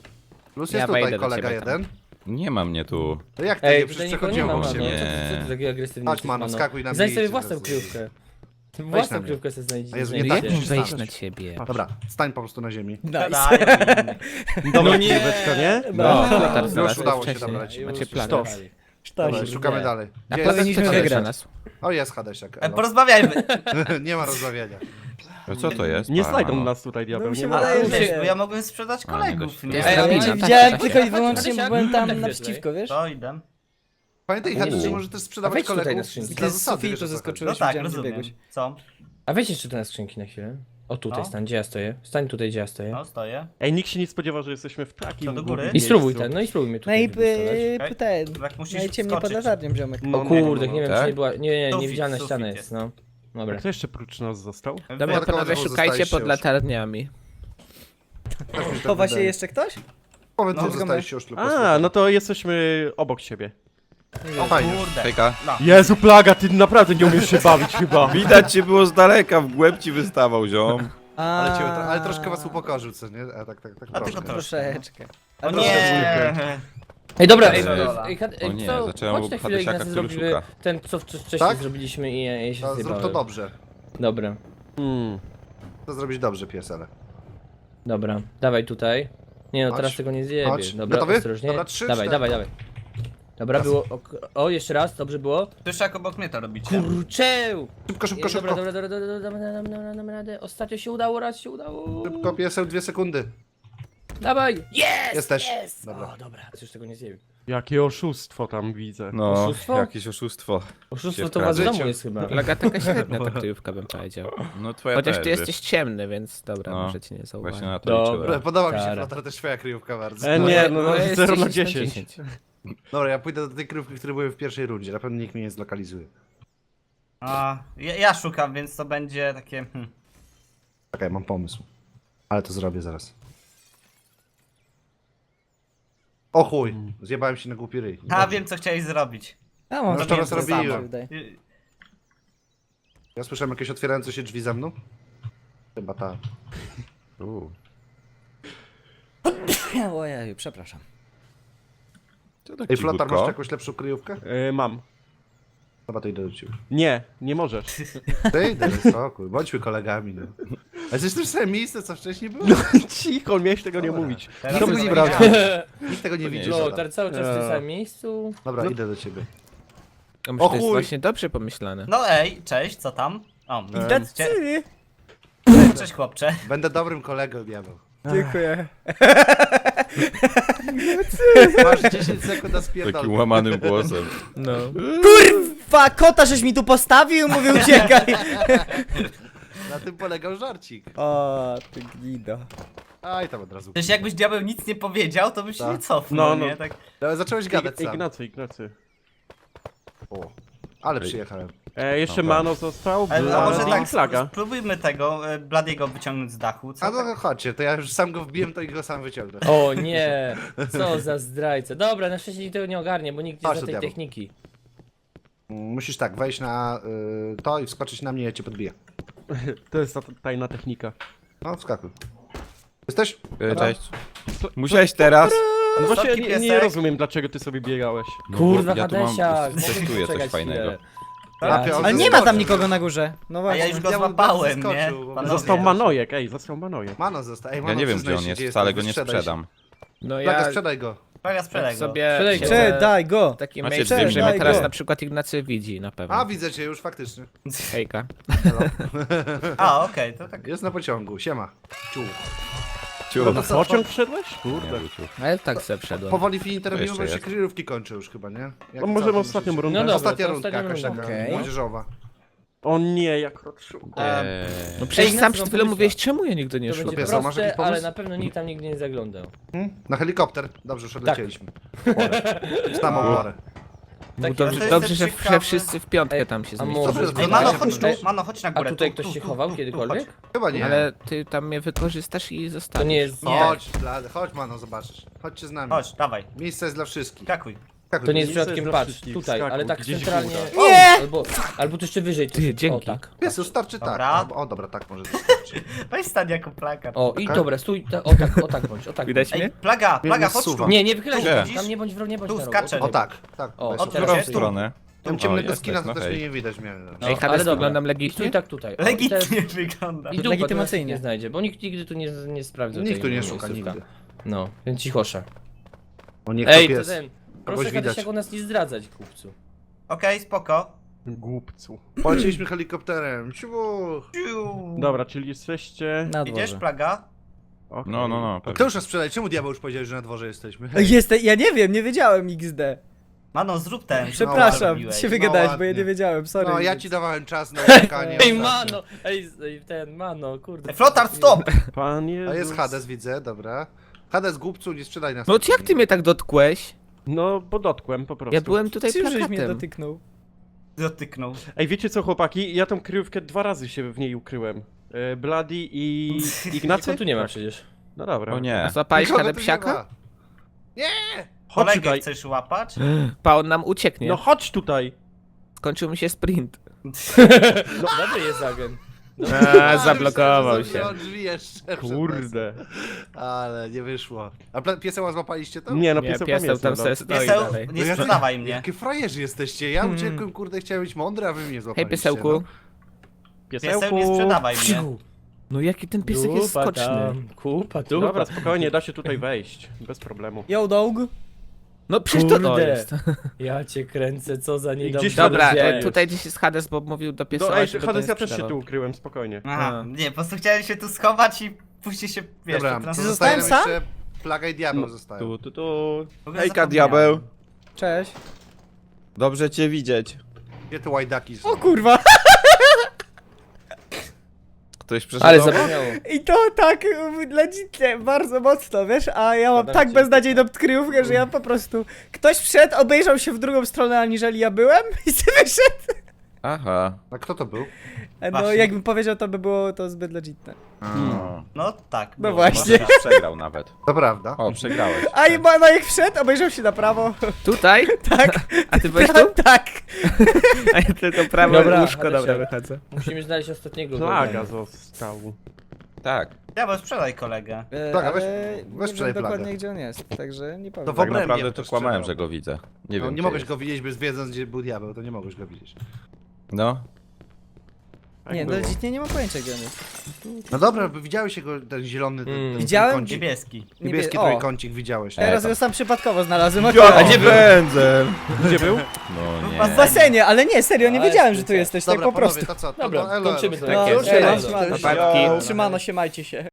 Speaker 2: Plus
Speaker 6: Ja
Speaker 2: jest
Speaker 6: wejdę
Speaker 2: tutaj
Speaker 6: do
Speaker 2: kolega
Speaker 6: ciebie tam.
Speaker 2: jeden.
Speaker 3: Nie ma mnie tu.
Speaker 2: To jak ty
Speaker 1: Ej,
Speaker 2: nie
Speaker 1: tutaj
Speaker 2: przecież
Speaker 1: nikogo nie ma,
Speaker 2: przechodziło
Speaker 1: mano.
Speaker 2: się.
Speaker 1: Co ty, co ty taki agresywny
Speaker 2: Chodź,
Speaker 1: jesteś,
Speaker 2: mano, skakuj na mnie
Speaker 1: Znajdź
Speaker 2: i
Speaker 1: sobie
Speaker 2: cię
Speaker 1: własną
Speaker 2: zaraz-
Speaker 1: kryjówkę.
Speaker 2: na
Speaker 1: Własną
Speaker 2: mnie.
Speaker 1: kryjówkę sobie znajdź.
Speaker 2: A Jezu, nie
Speaker 1: znajdziecie.
Speaker 2: tak?
Speaker 6: Wiem, wejść
Speaker 2: Znasz.
Speaker 6: na ciebie.
Speaker 2: Dobra, stań po prostu na ziemi.
Speaker 4: Nice.
Speaker 5: Sprzedają.
Speaker 7: Dobra, kryjóweczka, nie?
Speaker 6: No,
Speaker 2: No,
Speaker 6: już
Speaker 2: już udało się dobrać.
Speaker 6: Macie
Speaker 1: Już
Speaker 6: plagę.
Speaker 7: Sztos.
Speaker 2: Dobra,
Speaker 4: Sztos.
Speaker 2: szukamy
Speaker 1: nie.
Speaker 2: dalej.
Speaker 6: A
Speaker 2: Gdzie
Speaker 6: powinniśmy
Speaker 2: jest?
Speaker 6: wygrać
Speaker 2: Hadesiak?
Speaker 6: nas.
Speaker 2: O, jest Hadesiak.
Speaker 5: E,
Speaker 2: elo.
Speaker 5: Porozmawiajmy.
Speaker 2: Nie ma rozmawiania.
Speaker 3: A co to jest?
Speaker 7: Nie
Speaker 3: A,
Speaker 7: znajdą
Speaker 3: no.
Speaker 7: nas tutaj, diabeł,
Speaker 4: mi się
Speaker 7: nie ma.
Speaker 4: wydaje,
Speaker 5: Ale
Speaker 4: że-
Speaker 5: wiesz, bo ja mogłem sprzedać
Speaker 3: A, nie
Speaker 5: kolegów,
Speaker 3: dość.
Speaker 5: nie?
Speaker 6: Jest
Speaker 4: Ej, ale
Speaker 6: drabina,
Speaker 4: cię
Speaker 6: tak,
Speaker 4: widziałem
Speaker 6: tak,
Speaker 4: tylko i
Speaker 1: tak.
Speaker 4: wyłącznie, bo byłem tam
Speaker 1: Tak,
Speaker 4: naprzeciwko, wiesz?
Speaker 5: To idę.
Speaker 2: Pamiętaj,
Speaker 1: Uuu.
Speaker 2: Hadesiak, że może też
Speaker 1: A
Speaker 2: sprzedawać
Speaker 1: wejdź tutaj na
Speaker 2: kolegów.
Speaker 1: skrzynkę.
Speaker 4: I
Speaker 2: dla
Speaker 4: ty z
Speaker 2: zasady,
Speaker 4: sufitu
Speaker 2: wiesz, o co chodzi.
Speaker 4: zeskoczyłeś.
Speaker 5: No tak,
Speaker 4: widziałem, gdzie
Speaker 5: rozumiem.
Speaker 4: biegłeś.
Speaker 5: Co?
Speaker 1: A weź jeszcze tu na skrzynki na chwilę. O, tutaj
Speaker 5: No.
Speaker 1: stań, gdzie ja stoję. Stań tutaj, gdzie ja stoję.
Speaker 5: No, stoję.
Speaker 7: Ej, nikt się nie spodziewał, że jesteśmy w takim
Speaker 5: Co, do góry?
Speaker 7: głupim
Speaker 1: I spróbuj
Speaker 7: miejscu.
Speaker 1: tak, no i spróbuj mnie
Speaker 4: No
Speaker 1: tutaj
Speaker 4: i
Speaker 1: wypistować.
Speaker 4: y, ten.
Speaker 5: Tak musisz
Speaker 4: Najciemniej pod
Speaker 5: wskoczyć.
Speaker 4: latarnią, ziomek.
Speaker 7: No,
Speaker 1: O
Speaker 7: no,
Speaker 1: kurde,
Speaker 7: no,
Speaker 1: nie wiem
Speaker 3: tak?
Speaker 1: czy nie była, nie, nie,
Speaker 5: Sufit,
Speaker 1: niewidzialna
Speaker 5: sufit
Speaker 1: ściana
Speaker 5: jest.
Speaker 1: jest, no. Dobra.
Speaker 7: Kto jeszcze prócz nas został?
Speaker 6: Dobra,
Speaker 2: Wyjątkowo
Speaker 6: panowie,
Speaker 2: znowu
Speaker 6: szukajcie
Speaker 2: zostaliście
Speaker 6: pod
Speaker 2: już.
Speaker 6: latarniami.
Speaker 2: Też mi się tak
Speaker 4: Chowa się
Speaker 2: wydaje.
Speaker 4: jeszcze ktoś?
Speaker 2: Powiem,
Speaker 5: No,
Speaker 2: co zostałeś się już tylko.
Speaker 7: A, no to jesteśmy obok siebie.
Speaker 5: O
Speaker 2: Fajnie.
Speaker 5: kurde.
Speaker 3: Hejka.
Speaker 5: No.
Speaker 7: Jezu, Plaga, ty naprawdę nie umiesz się bawić chyba.
Speaker 3: Widać cię było z daleka, w głęb ci wystawał, ziom.
Speaker 2: Ale, cię, ale troszkę was upokorzył, co nie? A tak, tak, tak
Speaker 5: A
Speaker 2: troszkę.
Speaker 5: tylko
Speaker 4: Troszeczkę.
Speaker 5: O
Speaker 4: A
Speaker 5: nie!
Speaker 1: Ej, dobra,
Speaker 3: Ej,
Speaker 1: ej,
Speaker 5: dobra.
Speaker 1: ej, ej,
Speaker 3: O nie,
Speaker 1: co,
Speaker 3: zacząłem
Speaker 1: chodź na
Speaker 3: od
Speaker 1: chwilę,
Speaker 3: Hadesiaka,
Speaker 1: Ignacy,
Speaker 3: który
Speaker 1: zrobimy
Speaker 3: szuka.
Speaker 1: ten, co wcześniej
Speaker 2: Tak?
Speaker 1: zrobiliśmy i ja, ja się
Speaker 2: No, zrób to
Speaker 1: zjebałem.
Speaker 2: dobrze.
Speaker 1: Dobra,
Speaker 7: Hmm.
Speaker 2: To zrobić dobrze, piesele.
Speaker 1: dobra, dawaj tutaj. Nie no,
Speaker 2: Chodź.
Speaker 1: teraz tego nie
Speaker 2: Chodź.
Speaker 1: zjebiesz. Dobra,
Speaker 2: Gotowy?
Speaker 1: ostrożnie.
Speaker 2: Dobra, trzy,
Speaker 1: dawaj,
Speaker 2: cztery.
Speaker 1: dawaj, dawaj. Dobra,
Speaker 2: Raz.
Speaker 1: było, o, o, jeszcze raz, dobrze było.
Speaker 5: Tuż jak obok mnie to robicie.
Speaker 1: Kurczę!
Speaker 2: Szybko, szybko,
Speaker 1: Ej, Dobra,
Speaker 2: szybko.
Speaker 1: dobra, dobra, dobra, dobra, damy, damy, damy, damy radę. Ostatnio się udało, raz się udało.
Speaker 2: Szybko, pieseł, dwie sekundy.
Speaker 1: Dawaj! Jest!
Speaker 2: Jesteś.
Speaker 1: Jest!
Speaker 2: Dobra.
Speaker 1: O, dobra, już tego nie zjebię.
Speaker 7: Jakie oszustwo tam widzę.
Speaker 3: No,
Speaker 1: Oszustwo?
Speaker 3: jakieś oszustwo.
Speaker 1: Oszustwo
Speaker 3: Się
Speaker 1: to u was w
Speaker 2: wkradł.
Speaker 1: domu jest chyba.
Speaker 6: Plaga taka średnia ta kryjówka, bym powiedział.
Speaker 3: No twoja
Speaker 6: Chociaż
Speaker 3: też,
Speaker 6: ty
Speaker 3: wiesz.
Speaker 6: jesteś ciemny, więc dobra,
Speaker 3: No,
Speaker 6: może cię nie zauważyć.
Speaker 3: Właśnie na to
Speaker 1: Dobra.
Speaker 3: liczyłem.
Speaker 2: Podoba mi się,
Speaker 1: Tara.
Speaker 2: Flotar, też twoja kryjówka bardzo.
Speaker 7: E, nie, no, no
Speaker 6: jest
Speaker 7: zero na
Speaker 6: dziesięć na
Speaker 7: dziesięć.
Speaker 6: dziesięć.
Speaker 2: Dobra, ja pójdę do tej kryjówki, które były w pierwszej rundzie. Na pewno nikt mnie nie zlokalizuje.
Speaker 5: A, ja, ja szukam, więc to będzie takie... Hmm.
Speaker 2: Czekaj, mam pomysł. Ale to zrobię zaraz. O chuj, zjebałem się na głupi ryj.
Speaker 5: A,
Speaker 2: Dobrze.
Speaker 5: wiem co chciałeś zrobić.
Speaker 4: A mam
Speaker 2: No to
Speaker 4: takie
Speaker 2: raz
Speaker 4: samo,
Speaker 2: robiłem.
Speaker 4: wydaje.
Speaker 5: Y,
Speaker 2: Ja słyszałem jakieś otwierające się drzwi za mną. Chyba ta.
Speaker 3: U.
Speaker 4: Ojeju, przepraszam.
Speaker 3: Co tak
Speaker 2: Ej, Flotar,
Speaker 3: cichutko?
Speaker 2: masz jakąś lepszą kryjówkę?
Speaker 7: E, mam.
Speaker 2: Chyba to idę do ciebie.
Speaker 7: Nie, nie możesz.
Speaker 2: Ty, daj spokój, bądźmy kolegami, no. A jesteś w tym samym miejscu, co wcześniej było?
Speaker 7: Cicho, miałeś tego nie
Speaker 2: Dobra.
Speaker 7: mówić.
Speaker 5: Teraz
Speaker 7: To
Speaker 5: już
Speaker 7: był
Speaker 5: nie
Speaker 7: sprawdzian.
Speaker 5: wiedziałem.
Speaker 2: Nikt tego nie widzi.
Speaker 1: No,
Speaker 2: Flotar.
Speaker 1: teraz cały czas w tym
Speaker 7: Eee.
Speaker 1: samym miejscu.
Speaker 2: Dobra, idę do ciebie.
Speaker 6: Ja myślę,
Speaker 2: O
Speaker 6: że to jest
Speaker 2: chuj.
Speaker 6: właśnie dobrze pomyślane.
Speaker 5: No ej, cześć, co tam? O,
Speaker 4: Decyzji.
Speaker 5: cześć chłopcze.
Speaker 2: Będę dobrym kolegą, diabeł.
Speaker 4: Dziękuję.
Speaker 2: Masz dziesięć sekund na
Speaker 3: Takim
Speaker 2: spierdolkę.
Speaker 3: łamanym głosem.
Speaker 6: No.
Speaker 4: Kurwa, kota żeś mi tu postawił, mówił uciekaj.
Speaker 2: Na tym polegał żarcik.
Speaker 4: O, ty gnido.
Speaker 2: Aj, tam od razu.
Speaker 5: Przecież jakbyś diabeł nic nie powiedział, to byś się
Speaker 2: Tak.
Speaker 5: nie cofnął,
Speaker 7: No, no.
Speaker 5: nie? Tak.
Speaker 2: Ale zacząłeś gadać sam.
Speaker 7: Ignacy, Ignacy.
Speaker 2: O, ale przyjechałem.
Speaker 7: E, jeszcze
Speaker 3: Dobra.
Speaker 7: Mano został,
Speaker 5: Ale, a może
Speaker 7: Bloody
Speaker 5: tak,
Speaker 7: i Flaga.
Speaker 5: spróbujmy tego, e, Bladiego wyciągnąć z dachu, co?
Speaker 2: A
Speaker 5: tak?
Speaker 2: no chodźcie, to ja już sam go wbiłem, to i go sam wyciągnę.
Speaker 1: O nie, co za zdrajca. Dobra, na szczęście nikt tego nie ogarnie, bo nikt nie
Speaker 2: Chodź
Speaker 1: zna
Speaker 2: do
Speaker 1: tej
Speaker 2: diabła.
Speaker 1: techniki.
Speaker 2: Musisz tak, wejść na y, to i wskoczyć na mnie, ja cię podbiję.
Speaker 7: To jest ta tajna technika.
Speaker 2: No, wskakuj. Jesteś?
Speaker 3: E, Cześć. Musiałeś teraz?
Speaker 7: No właśnie
Speaker 5: Wysoki
Speaker 7: nie, nie
Speaker 5: piesek.
Speaker 7: rozumiem, dlaczego ty sobie biegałeś.
Speaker 3: No bo
Speaker 1: Kurwa,
Speaker 3: ja tu mam,
Speaker 1: Hadesiak,
Speaker 3: testuję coś
Speaker 1: czekać
Speaker 3: fajnego.
Speaker 1: chwilę.
Speaker 2: Trafia, on
Speaker 4: Ale nie ma
Speaker 2: zeskoczył.
Speaker 4: tam nikogo na górze. No
Speaker 5: A
Speaker 4: właśnie.
Speaker 5: ja już go
Speaker 2: Ja bym
Speaker 5: złapałem,
Speaker 2: bardzo
Speaker 5: nie?
Speaker 2: zaskoczył, bo
Speaker 5: Panowie.
Speaker 7: Został Manojek, ej, został Manojek.
Speaker 2: Mano został. Ej,
Speaker 3: Ja
Speaker 2: Mano,
Speaker 3: nie wiem
Speaker 2: przyznaj
Speaker 3: gdzie on
Speaker 2: się,
Speaker 3: jest, wcale go
Speaker 2: jesteś,
Speaker 3: nie
Speaker 2: sprzedaj się.
Speaker 3: sprzedam.
Speaker 6: No
Speaker 2: Plaga,
Speaker 6: ja
Speaker 2: sprzedaj go.
Speaker 5: Plaga, sprzedaj
Speaker 6: tak
Speaker 5: go.
Speaker 6: sobie
Speaker 1: Sprzedaj go.
Speaker 6: siedzę
Speaker 4: Cze, daj go.
Speaker 6: w takim
Speaker 3: Macie
Speaker 6: miejscu,
Speaker 3: dwie
Speaker 6: że mnie
Speaker 4: daj
Speaker 6: teraz
Speaker 4: go.
Speaker 6: na przykład Ignacy widzi na pewno.
Speaker 2: A, widzę cię już faktycznie.
Speaker 6: Hejka.
Speaker 5: A, okej, to tak.
Speaker 2: Jest na pociągu, siema. Ciu.
Speaker 3: Ciu.
Speaker 7: Na pociąg wszedłeś? Kurde.
Speaker 3: Nie, ciu.
Speaker 6: Ale tak sobie wszedłem.
Speaker 2: Powoli film interwiu,
Speaker 3: jeszcze
Speaker 2: bo się
Speaker 3: jest.
Speaker 2: kryjówki kończą już chyba, nie? Jak
Speaker 7: No możemy
Speaker 2: całkiem
Speaker 7: ostatnią
Speaker 2: myślicie?
Speaker 7: rundę.
Speaker 1: No dobra.
Speaker 2: Ostatnia
Speaker 1: to
Speaker 2: rundka
Speaker 1: ostatnia
Speaker 2: jakaś
Speaker 1: runda.
Speaker 2: taka,
Speaker 4: Okej.
Speaker 2: młodzieżowa.
Speaker 7: O nie, jak Rotszu.
Speaker 3: Eee,
Speaker 6: No przecież
Speaker 1: Ej,
Speaker 6: sam
Speaker 1: Ignacy
Speaker 6: przed
Speaker 1: wam
Speaker 6: chwilą
Speaker 1: pomyślał.
Speaker 6: mówiłeś, czemu ja nigdy nie
Speaker 1: To
Speaker 6: szukam.
Speaker 1: będzie
Speaker 2: Piesa, masz jakiś
Speaker 1: proste, ale
Speaker 2: pomysł?
Speaker 1: na pewno nikt tam nigdy nie zaglądał.
Speaker 2: Na helikopter. Dobrze, już
Speaker 1: Tak.
Speaker 2: odlecieliśmy. Znam oborę.
Speaker 6: No
Speaker 1: Tak,
Speaker 6: dobrze,
Speaker 5: ja-
Speaker 6: dobrze że,
Speaker 5: ciekawe.
Speaker 6: że wszyscy w piątkę tam się
Speaker 1: A
Speaker 6: zmieścili.
Speaker 1: może-
Speaker 2: Dobrze,
Speaker 5: Ej,
Speaker 2: Ej,
Speaker 5: Mano,
Speaker 2: Ej,
Speaker 5: chodź tu,
Speaker 1: Ej,
Speaker 5: Mano, chodź na
Speaker 1: A
Speaker 5: górę.
Speaker 1: tutaj
Speaker 5: tu,
Speaker 1: ktoś
Speaker 5: tu,
Speaker 1: się
Speaker 5: tu,
Speaker 1: chował
Speaker 5: tu, tu,
Speaker 1: kiedykolwiek?
Speaker 5: chodź.
Speaker 2: Chyba nie.
Speaker 6: Ale ty tam mnie wykorzystasz i
Speaker 1: To
Speaker 6: zostawisz.
Speaker 1: nie jest...
Speaker 5: Nie.
Speaker 2: Chodź, blady, chodź Mano, zobaczysz. Chodźcie z nami.
Speaker 5: Chodź, dawaj,
Speaker 2: Miejsce jest dla wszystkich.
Speaker 5: skakuj.
Speaker 2: Skakuj.
Speaker 1: To nie jest
Speaker 7: Miejsce
Speaker 1: przypadkiem,
Speaker 7: jest dla
Speaker 1: patrz,
Speaker 7: wszystkich,
Speaker 1: tutaj,
Speaker 7: skakuj,
Speaker 1: ale tak
Speaker 7: gdzieś
Speaker 1: centralnie...
Speaker 7: góra.
Speaker 4: Nie!
Speaker 1: Albo, albo tu jeszcze wyżej. Tu,
Speaker 6: Ty,
Speaker 1: o,
Speaker 6: dzięki.
Speaker 1: tak.
Speaker 2: Pies, starczy tak.
Speaker 5: Dobra.
Speaker 2: Albo- O, dobra, tak może wystarczy.
Speaker 5: Weź stań jako plaga.
Speaker 1: O, i
Speaker 2: Okej.
Speaker 1: dobra, stój, ta, o tak, o tak bądź, o tak
Speaker 6: Widać
Speaker 1: bądź.
Speaker 6: mnie?
Speaker 5: Ej, plaga, plaga,
Speaker 2: Mnie
Speaker 5: chodź tu.
Speaker 2: zsuwa.
Speaker 1: Nie, nie wychylaj
Speaker 3: Gdzie?
Speaker 1: się, tam nie bądź, w- nie bądź
Speaker 5: Tu
Speaker 1: na rogu,
Speaker 5: skaczę.
Speaker 1: o,
Speaker 2: O
Speaker 1: tak.
Speaker 2: tak, tak.
Speaker 1: O,
Speaker 2: weź
Speaker 1: o,
Speaker 2: sobie.
Speaker 1: teraz
Speaker 3: którą
Speaker 1: jest tu.
Speaker 3: stronę?
Speaker 2: Tam
Speaker 3: O,
Speaker 2: ciemnego
Speaker 3: jesteś,
Speaker 2: skina
Speaker 3: no
Speaker 2: to też
Speaker 3: hej.
Speaker 2: mnie nie widać mnie.
Speaker 1: No,
Speaker 6: Ej,
Speaker 1: ale
Speaker 6: Hades,
Speaker 1: dobra.
Speaker 6: wyglądam
Speaker 1: I
Speaker 6: legitnie?
Speaker 1: stój tak tutaj. O, i teraz-
Speaker 5: Legitnie wygląda.
Speaker 1: I dupa
Speaker 4: Legitymacyjnie.
Speaker 1: nie znajdzie, bo nikt nigdy tu nie, nie sprawdził
Speaker 2: Nikt
Speaker 1: tej
Speaker 2: tu nie szuka,
Speaker 1: miejscówka.
Speaker 2: nigdy.
Speaker 1: No, więc cichosza.
Speaker 2: O, niech
Speaker 1: Ej,
Speaker 2: to
Speaker 1: to
Speaker 2: pies.
Speaker 1: ten, proszę
Speaker 2: Kogoś widać.
Speaker 1: Hadesiak o nas nie zdradzać, kupcu.
Speaker 5: Okej, spoko.
Speaker 7: Głupcu.
Speaker 2: Polecieliśmy helikopterem. Ciu.
Speaker 5: Ciu.
Speaker 7: Dobra, czyli jesteście...
Speaker 4: Na
Speaker 5: Idziesz,
Speaker 4: dworze.
Speaker 5: plaga?
Speaker 7: Okej.
Speaker 3: No, no, no.
Speaker 2: Kto
Speaker 3: pewnie.
Speaker 2: już nas sprzedaj? Czemu diabeł już powiedział, że na dworze jesteśmy?
Speaker 4: Jestem, ja nie wiem, nie wiedziałem X D.
Speaker 5: Mano, zrób ten.
Speaker 4: Przepraszam,
Speaker 5: zrobiłeś.
Speaker 4: się wygadałeś,
Speaker 2: No
Speaker 4: bo ja nie
Speaker 2: ładnie.
Speaker 4: wiedziałem, sorry.
Speaker 2: No, ja ci dawałem czas na uciekanie.
Speaker 1: Ej,
Speaker 2: ostatnio.
Speaker 1: mano! Ej, ej, ten, mano, kurde.
Speaker 5: Ej, Flotar, stop!
Speaker 7: Pan Jezus.
Speaker 2: A jest Hades, widzę, dobra. Hades, głupcu, nie sprzedaj nas.
Speaker 6: No jak ty mnie tak dotkłeś?
Speaker 7: No, bo dotkłem po prostu.
Speaker 6: Ja byłem tutaj
Speaker 4: Ty już żeś mnie
Speaker 6: plakatem.
Speaker 4: dotyknął.
Speaker 5: Dotyknął.
Speaker 7: Ej, wiecie co, chłopaki? Ja tą kryjówkę dwa razy się w niej ukryłem. E, Bloody i Ignacy?
Speaker 1: Nikogo tu nie ma przecież.
Speaker 7: No dobra.
Speaker 3: O
Speaker 6: A
Speaker 3: nie.
Speaker 6: złapałeś
Speaker 2: Nikogo tu nie
Speaker 6: Hadesiaka?
Speaker 2: ma.
Speaker 7: Chodź
Speaker 5: Kolegę
Speaker 7: tutaj.
Speaker 5: chcesz łapać?
Speaker 6: Pa, on nam ucieknie.
Speaker 7: No chodź tutaj.
Speaker 6: Skończył mi się sprint.
Speaker 1: No, dobry jest agent.
Speaker 6: A, zablokował się.
Speaker 2: Zamknął drzwi jeszcze. przed
Speaker 7: Kurde.
Speaker 2: nas. Ale nie wyszło. A pla- pieseła złapaliście to?
Speaker 7: Nie no,
Speaker 6: Nie,
Speaker 7: pieseł tam
Speaker 6: pieseł
Speaker 7: jest.
Speaker 6: tam
Speaker 7: no,
Speaker 6: sobie
Speaker 7: no.
Speaker 6: stoi
Speaker 5: Pieseł,
Speaker 6: dalej.
Speaker 5: nie
Speaker 2: No ja-
Speaker 5: sprzedawaj mnie.
Speaker 2: Jakie frajerzy jesteście? Ja uciekłem, kurde, chciałem być mądry, a wy mnie
Speaker 6: Hej,
Speaker 2: złapaliście.
Speaker 6: piesełku.
Speaker 5: Pieseł,
Speaker 7: Piesełku.
Speaker 5: nie sprzedawaj mnie.
Speaker 6: No jaki ten piesek jest
Speaker 1: Dupa
Speaker 6: skoczny.
Speaker 1: tam, Kupa, dupa.
Speaker 7: Dobra, spokojnie, da się tutaj wejść. Bez problemu.
Speaker 4: Yo, dog.
Speaker 6: No przecież to, to
Speaker 1: Kurde.
Speaker 6: jest.
Speaker 1: Ja cię kręcę, co za niedobrze.
Speaker 7: gdzieś
Speaker 6: Dobra,
Speaker 7: Hades
Speaker 6: e,
Speaker 7: jest.
Speaker 6: tutaj gdzieś jest Hades, bo mówił do
Speaker 7: No
Speaker 6: pieseła,
Speaker 7: ej,
Speaker 6: żeby
Speaker 7: Hades,
Speaker 6: to
Speaker 7: ja
Speaker 6: nie
Speaker 7: też się
Speaker 6: sprzedawał.
Speaker 7: tu ukryłem, spokojnie.
Speaker 5: Aha,
Speaker 6: A.
Speaker 5: nie, po prostu chciałem się tu schować i później się, wiesz,
Speaker 2: Dobra,
Speaker 5: to trans-
Speaker 4: Ty
Speaker 2: zostaje nam
Speaker 4: zostałem
Speaker 2: jeszcze plaga i diabeł
Speaker 3: No,
Speaker 2: zostają.
Speaker 3: Tu, tu, tu.
Speaker 5: w ogóle
Speaker 3: Hejka,
Speaker 5: zapomniałem.
Speaker 3: diabeł.
Speaker 4: Cześć.
Speaker 3: Dobrze cię widzieć.
Speaker 2: Gdzie te łajdaki są?
Speaker 4: O kurwa.
Speaker 3: Ktoś przeszedł
Speaker 1: Ale
Speaker 3: obok?
Speaker 1: zapomniało.
Speaker 4: I to tak legitnie, bardzo mocno, wiesz, a ja mam
Speaker 1: Podam
Speaker 4: tak
Speaker 1: ci
Speaker 4: beznadziejną kryjówkę, że ja po prostu... Ktoś wszedł, obejrzał się w drugą stronę, aniżeli ja byłem i sobie wyszedł.
Speaker 3: Aha.
Speaker 2: A kto to był?
Speaker 4: E, No
Speaker 5: Właśnie.
Speaker 4: jakbym powiedział, to by było to zbyt legitne.
Speaker 3: O,
Speaker 5: No tak.
Speaker 4: No
Speaker 5: było.
Speaker 4: właśnie.
Speaker 3: może przegrał nawet.
Speaker 2: To prawda.
Speaker 3: O, przegrałeś.
Speaker 4: A i Manojek wszedł, obejrzał się na prawo.
Speaker 6: Tutaj?
Speaker 4: Tak.
Speaker 6: A ty byłeś tu?
Speaker 4: Tak.
Speaker 6: A ja tylko prawo
Speaker 1: Dobra,
Speaker 6: łóżko,
Speaker 1: Hadesiak.
Speaker 6: dobra, wychodzę.
Speaker 1: Musimy znaleźć ostatniego
Speaker 7: Plaga
Speaker 1: wroga.
Speaker 7: został.
Speaker 3: Tak.
Speaker 5: Ja bo sprzedaj kolegę.
Speaker 4: E,
Speaker 2: Plaga, weź-
Speaker 4: ale
Speaker 2: weź
Speaker 4: nie
Speaker 2: sprzedaj
Speaker 4: wiem dokładnie
Speaker 2: plagę.
Speaker 4: gdzie on jest, także nie powiem.
Speaker 2: To w
Speaker 3: Tak
Speaker 2: obrębie
Speaker 3: naprawdę to
Speaker 2: to
Speaker 3: kłamałem,
Speaker 2: strzelał.
Speaker 3: że go widzę. Nie
Speaker 2: No,
Speaker 3: wiem.
Speaker 2: nie
Speaker 3: gdzie
Speaker 2: mogłeś
Speaker 3: jest.
Speaker 2: go widzieć, bez wiedząc, gdzie był diabeł, to nie mogłeś go widzieć.
Speaker 3: No.
Speaker 7: Tak
Speaker 4: Nie, no
Speaker 7: było.
Speaker 4: legitnie nie mam pojęcia gdzie on jest.
Speaker 2: No dobra, bo widziałeś jego, ten zielony, ten,
Speaker 7: Mm.
Speaker 2: ten
Speaker 4: Widziałem?
Speaker 2: trójkącik.
Speaker 5: Niebieski.
Speaker 2: Niebieski
Speaker 4: o.
Speaker 2: trójkącik widziałeś.
Speaker 3: E,
Speaker 4: Teraz
Speaker 3: tam.
Speaker 4: go sam przypadkowo znalazłem.
Speaker 3: A
Speaker 4: akurat.
Speaker 3: gdzie pędzel?
Speaker 7: Gdzie był?
Speaker 3: No
Speaker 4: W
Speaker 3: nie.
Speaker 4: basenie, ale nie, serio, nie
Speaker 1: Ale
Speaker 4: wiedziałem, że tu
Speaker 1: specjalnie.
Speaker 4: jesteś,
Speaker 2: Dobra,
Speaker 4: tak po
Speaker 2: panowie,
Speaker 4: prostu.
Speaker 2: to co? To,
Speaker 1: Dobra,
Speaker 2: to elo,
Speaker 1: kończymy
Speaker 2: elo.
Speaker 1: to.
Speaker 4: No,
Speaker 6: Tak jest.
Speaker 4: siema,
Speaker 1: Cześć.
Speaker 4: siemano,
Speaker 6: Papatki.
Speaker 4: Trzymano się, majcie się.